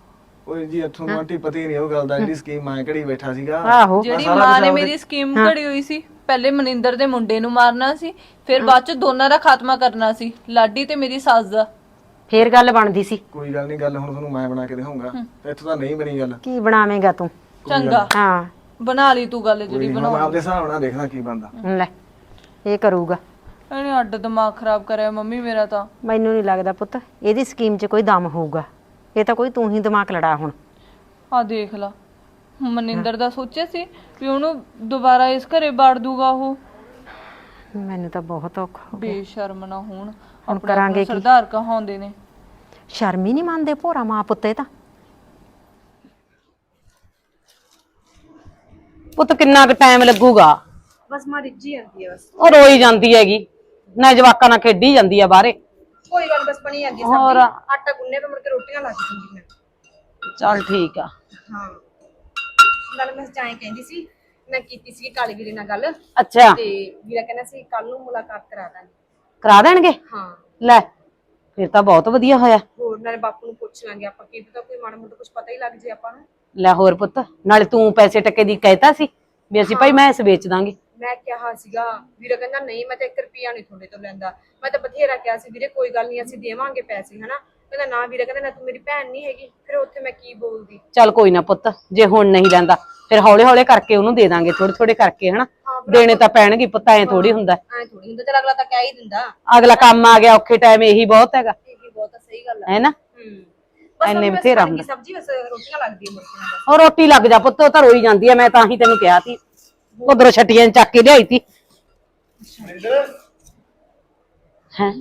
Speaker 5: ਓਏ ਜੀ ਇੱਥੋਂ ਨੂੰ ਆਂਟੀ ਪਤਾ ਹੀ ਨਹੀਂ ਉਹ ਗੱਲ ਦਾ, ਜਿਹੜੀ ਸਕੀਮ ਮੈਂ ਘੜੀ ਬੈਠਾ ਸੀਗਾ।
Speaker 4: ਆਹੋ
Speaker 6: ਜਿਹੜੀ ਮਾਂ ਨੇ ਮੇਰੀ ਸਕੀਮ ਘੜੀ ਹੋਈ ਸੀ, ਪਹਿਲੇ ਮਨਿੰਦਰ ਦੇ ਮੁੰਡੇ ਨੂੰ ਮਾਰਨਾ ਸੀ, ਫਿਰ ਬਾਅਦ ਚ ਦੋਨਾਂ ਦਾ ਖਾਤਮਾ ਕਰਨਾ ਸੀ, ਲਾਡੀ ਤੇ ਮੇਰੀ ਸੱਸ ਦਾ।
Speaker 4: ਫੇਰ ਗੱਲ ਬਣਦੀ ਸੀ।
Speaker 5: ਕੋਈ ਗੱਲ ਨਹੀਂ, ਗੱਲ ਹੁਣ ਤੁਹਾਨੂੰ ਮੈਂ ਬਣਾ ਕੇ ਦਿਖਾਉਂਗਾ। ਇੱਥੋਂ ਤਾਂ ਨਹੀਂ ਬਣੀ ਗੱਲ।
Speaker 4: ਕੀ ਬਣਾਵੇਂਗਾ ਤੂੰ?
Speaker 6: ਚੰਗਾ
Speaker 4: ਹਾਂ
Speaker 6: ਬਣਾ ਲਈ ਤੂੰ ਗੱਲ ਜਿਹੜੀ
Speaker 5: ਮੈਂ
Speaker 6: ਬਣਾਉਣੀ।
Speaker 5: ਆਪਦੇ ਹਿਸਾਬ ਨਾਲ ਦੇਖਣਾ ਕੀ ਬਣਦਾ।
Speaker 4: ਲੈ ਇਹ ਕਰੂਗਾ।
Speaker 6: ਇਹਨੇ ਅੱਡ ਦਿਮਾਗ ਖਰਾਬ ਕਰਿਆ ਮੰਮੀ ਮੇਰਾ ਤਾਂ।
Speaker 4: ਮੈਨੂੰ ਨਹੀਂ ਲੱਗਦਾ ਪੁੱਤ ਇਹਦੀ ਸਕੀਮ 'ਚ ਕੋਈ ਦਮ ਹੋਊਗਾ। ਇਹ ਤਾਂ ਕੋਈ ਤੂੰ ਹੀ ਦਿਮਾਗ ਲੜਾ ਹੁਣ।
Speaker 6: ਆ ਦੇਖ ਲਾ, ਮਨਿੰਦਰ ਦਾ ਸੋਚਿਆ ਸੀ ਵੀ ਉਹਨੂੰ ਦੁਬਾਰਾ ਇਸ ਘਰੇ ਬਾੜ ਦੂਗਾ ਉਹ।
Speaker 4: ਮੈਨੂੰ ਤਾਂ ਬਹੁਤ ਔਖਾ ਹੋ ਗਿਆ।
Speaker 6: ਬੇਸ਼ਰਮ ਨਾ ਹੋਣ,
Speaker 4: ਹੁਣ ਕਰਾਂਗੇ ਕੀ?
Speaker 6: ਸਰਦਾਰ ਕਹਾਉਂਦੇ ਨੇ।
Speaker 4: ਸ਼ਰਮ ਹੀ ਨਹੀਂ ਮੰਨਦੇ ਭੋਰਾ ਮਾਂ ਪੁੱਤ। ਇਹ ਤਾਂ
Speaker 8: ਪੁੱਤ ਕਿੰਨਾ ਕੁ ਟਾਈਮ ਲੱਗੂਗਾ?
Speaker 3: ਬਸ ਮਾਂ ਰਿੱਝੀ ਜਾਂਦੀ ਹੈ। ਬਸ
Speaker 8: ਉਹ ਰੋਈ ਜਾਂਦੀ ਹੈਗੀ ਨਾ, ਜਵਾਕਾਂ ਨਾਲ ਖੇਡੀ ਜਾਂਦੀ ਆ ਬਾਹਰੇ।
Speaker 3: ਕੋਈ ਗੱਲ ਬਸ ਬਣੀ ਜਾਂਦੀ
Speaker 8: ਹੋਰ?
Speaker 3: ਸਬਜ਼ੀ, ਆਟਾ ਗੁੰਨੇ ਤੇ ਮੁੜ ਕੇ ਰੋਟੀਆਂ ਲੱਗ ਜਾਂਦੀਆਂ।
Speaker 8: ਚੱਲ ਠੀਕ ਆ।
Speaker 3: ਹਾਂ ਗੱਲ ਮੈਂ ਚਾਹੇ ਕਹਿੰਦੀ ਸੀ, ਮੈਂ ਕੀਤੀ ਸੀ ਕਾਲੀ ਵੀਰੇ ਨਾਲ ਗੱਲ,
Speaker 8: ਅੱਛਾ
Speaker 3: ਤੇ ਵੀਰਾ ਕਹਿੰਦਾ ਸੀ ਕੱਲ ਨੂੰ ਮੁਲਾਕਾਤ ਕਰਾ ਦਾਂਗੇ।
Speaker 8: ਕਰਾ ਦੇਣਗੇ?
Speaker 3: ਹਾਂ
Speaker 8: ਲੈ ਫਿਰ ਤਾਂ ਬਹੁਤ ਵਧੀਆ ਹੋਇਆ।
Speaker 3: ਹੋਰ ਨਾਲੇ ਬਾਪੂ ਨੂੰ ਪੁੱਛ ਲਾਂਗੇ ਆਪਾਂ, ਕੀ ਪਤਾ ਕੋਈ ਮਾੜਾ ਮੋਟਾ ਕੁਝ ਪਤਾ ਹੀ ਲੱਗ ਜੇ ਆਪਾਂ ਨੂੰ।
Speaker 8: ਲੈ ਹੋਰ ਪੁੱਤ, ਨਾਲੇ ਤੂੰ ਪੈਸੇ ਟੱਕੇ ਦੀ ਕਹਿਤਾ ਸੀ ਵੀ ਅਸੀਂ ਭਾਈ ਮੈਂਸ ਵੇਚ ਦਾਂਗੇ।
Speaker 3: ਮੈਂ ਕਿਹਾ ਸੀਗਾ, ਵੀਰੇ ਕਹਿੰਦਾ ਨਹੀਂ ਮੈਂ ਤਾਂ 1 ਰੁਪਿਆ ਨਹੀਂ ਤੁਹਾਡੇ ਤੋਂ ਲੈਂਦਾ। ਮੈਂ ਤਾਂ ਬਥੇਰਾ ਕਿਹਾ ਸੀ ਵੀਰੇ ਕੋਈ ਗੱਲ ਨਹੀਂ ਅਸੀਂ ਦੇਵਾਂਗੇ ਪੈਸੇ, ਹਨਾ। ਕਹਿੰਦਾ ਨਾ ਵੀਰੇ, ਕਹਿੰਦਾ ਨਾ ਤੂੰ ਮੇਰੀ ਭੈਣ ਨਹੀਂ ਹੈਗੀ। ਫਿਰ ਉੱਥੇ ਮੈਂ ਕੀ ਬੋਲਦੀ।
Speaker 8: ਚੱਲ ਕੋਈ ਨਾ ਪੁੱਤ, ਜੇ ਹੁਣ ਨਹੀਂ ਲੈਂਦਾ ਫਿਰ ਹੌਲੇ ਹੌਲੇ ਕਰਕੇ ਉਹਨੂੰ ਦੇ ਦਾਂਗੇ, ਥੋੜੇ ਥੋੜੇ ਕਰਕੇ, ਹਨਾ। ਦੇਣੇ ਤਾਂ ਪੈਣਗੇ ਪੁੱਤ, ਐ ਥੋੜੀ ਹੁੰਦਾ।
Speaker 3: ਐ ਥੋੜੀ ਹੁੰਦਾ, ਚਲ ਅਗਲਾ ਤਾਂ ਕਹਿ ਹੀ ਦਿੰਦਾ।
Speaker 8: ਅਗਲਾ ਕੰਮ ਆ ਗਿਆ ਔਖੇ ਟਾਈਮ, ਇਹੀ ਬਹੁਤ ਹੈਗਾ,
Speaker 3: ਇਹ ਬਹੁਤ ਸਹੀ ਗੱਲ ਹੈ
Speaker 8: ਹੈ ਨਾ।
Speaker 3: ਬਸ
Speaker 8: ਐਨੇ
Speaker 3: ਬਸ
Speaker 8: ਬਥੇਰਾ
Speaker 3: ਬਣ ਗਈ
Speaker 8: ਹੁੰਦਾ।
Speaker 3: ਸਬਜ਼ੀ, ਬਸ ਰੋਟੀਆਂ ਲੱਗਦੀਆਂ ਮੁਰਗੀਆਂ ਦਾ।
Speaker 8: ਉਹ ਰੋਟੀ ਲੱਗ ਜਾ ਪੁੱਤ, ਉਹ ਤਾਂ ਰੋਈ ਜਾਂਦੀ ਆ। ਮੈਂ ਤਾਂ ਹੀ ਤੈਨੂੰ ਕਿਹਾ ਸੀ, ਉਧਰੋਂ ਛੱਟੀਆਂ ਚੱਕ ਕੇ ਲਿਆਈ ਤੀ। ਹੈ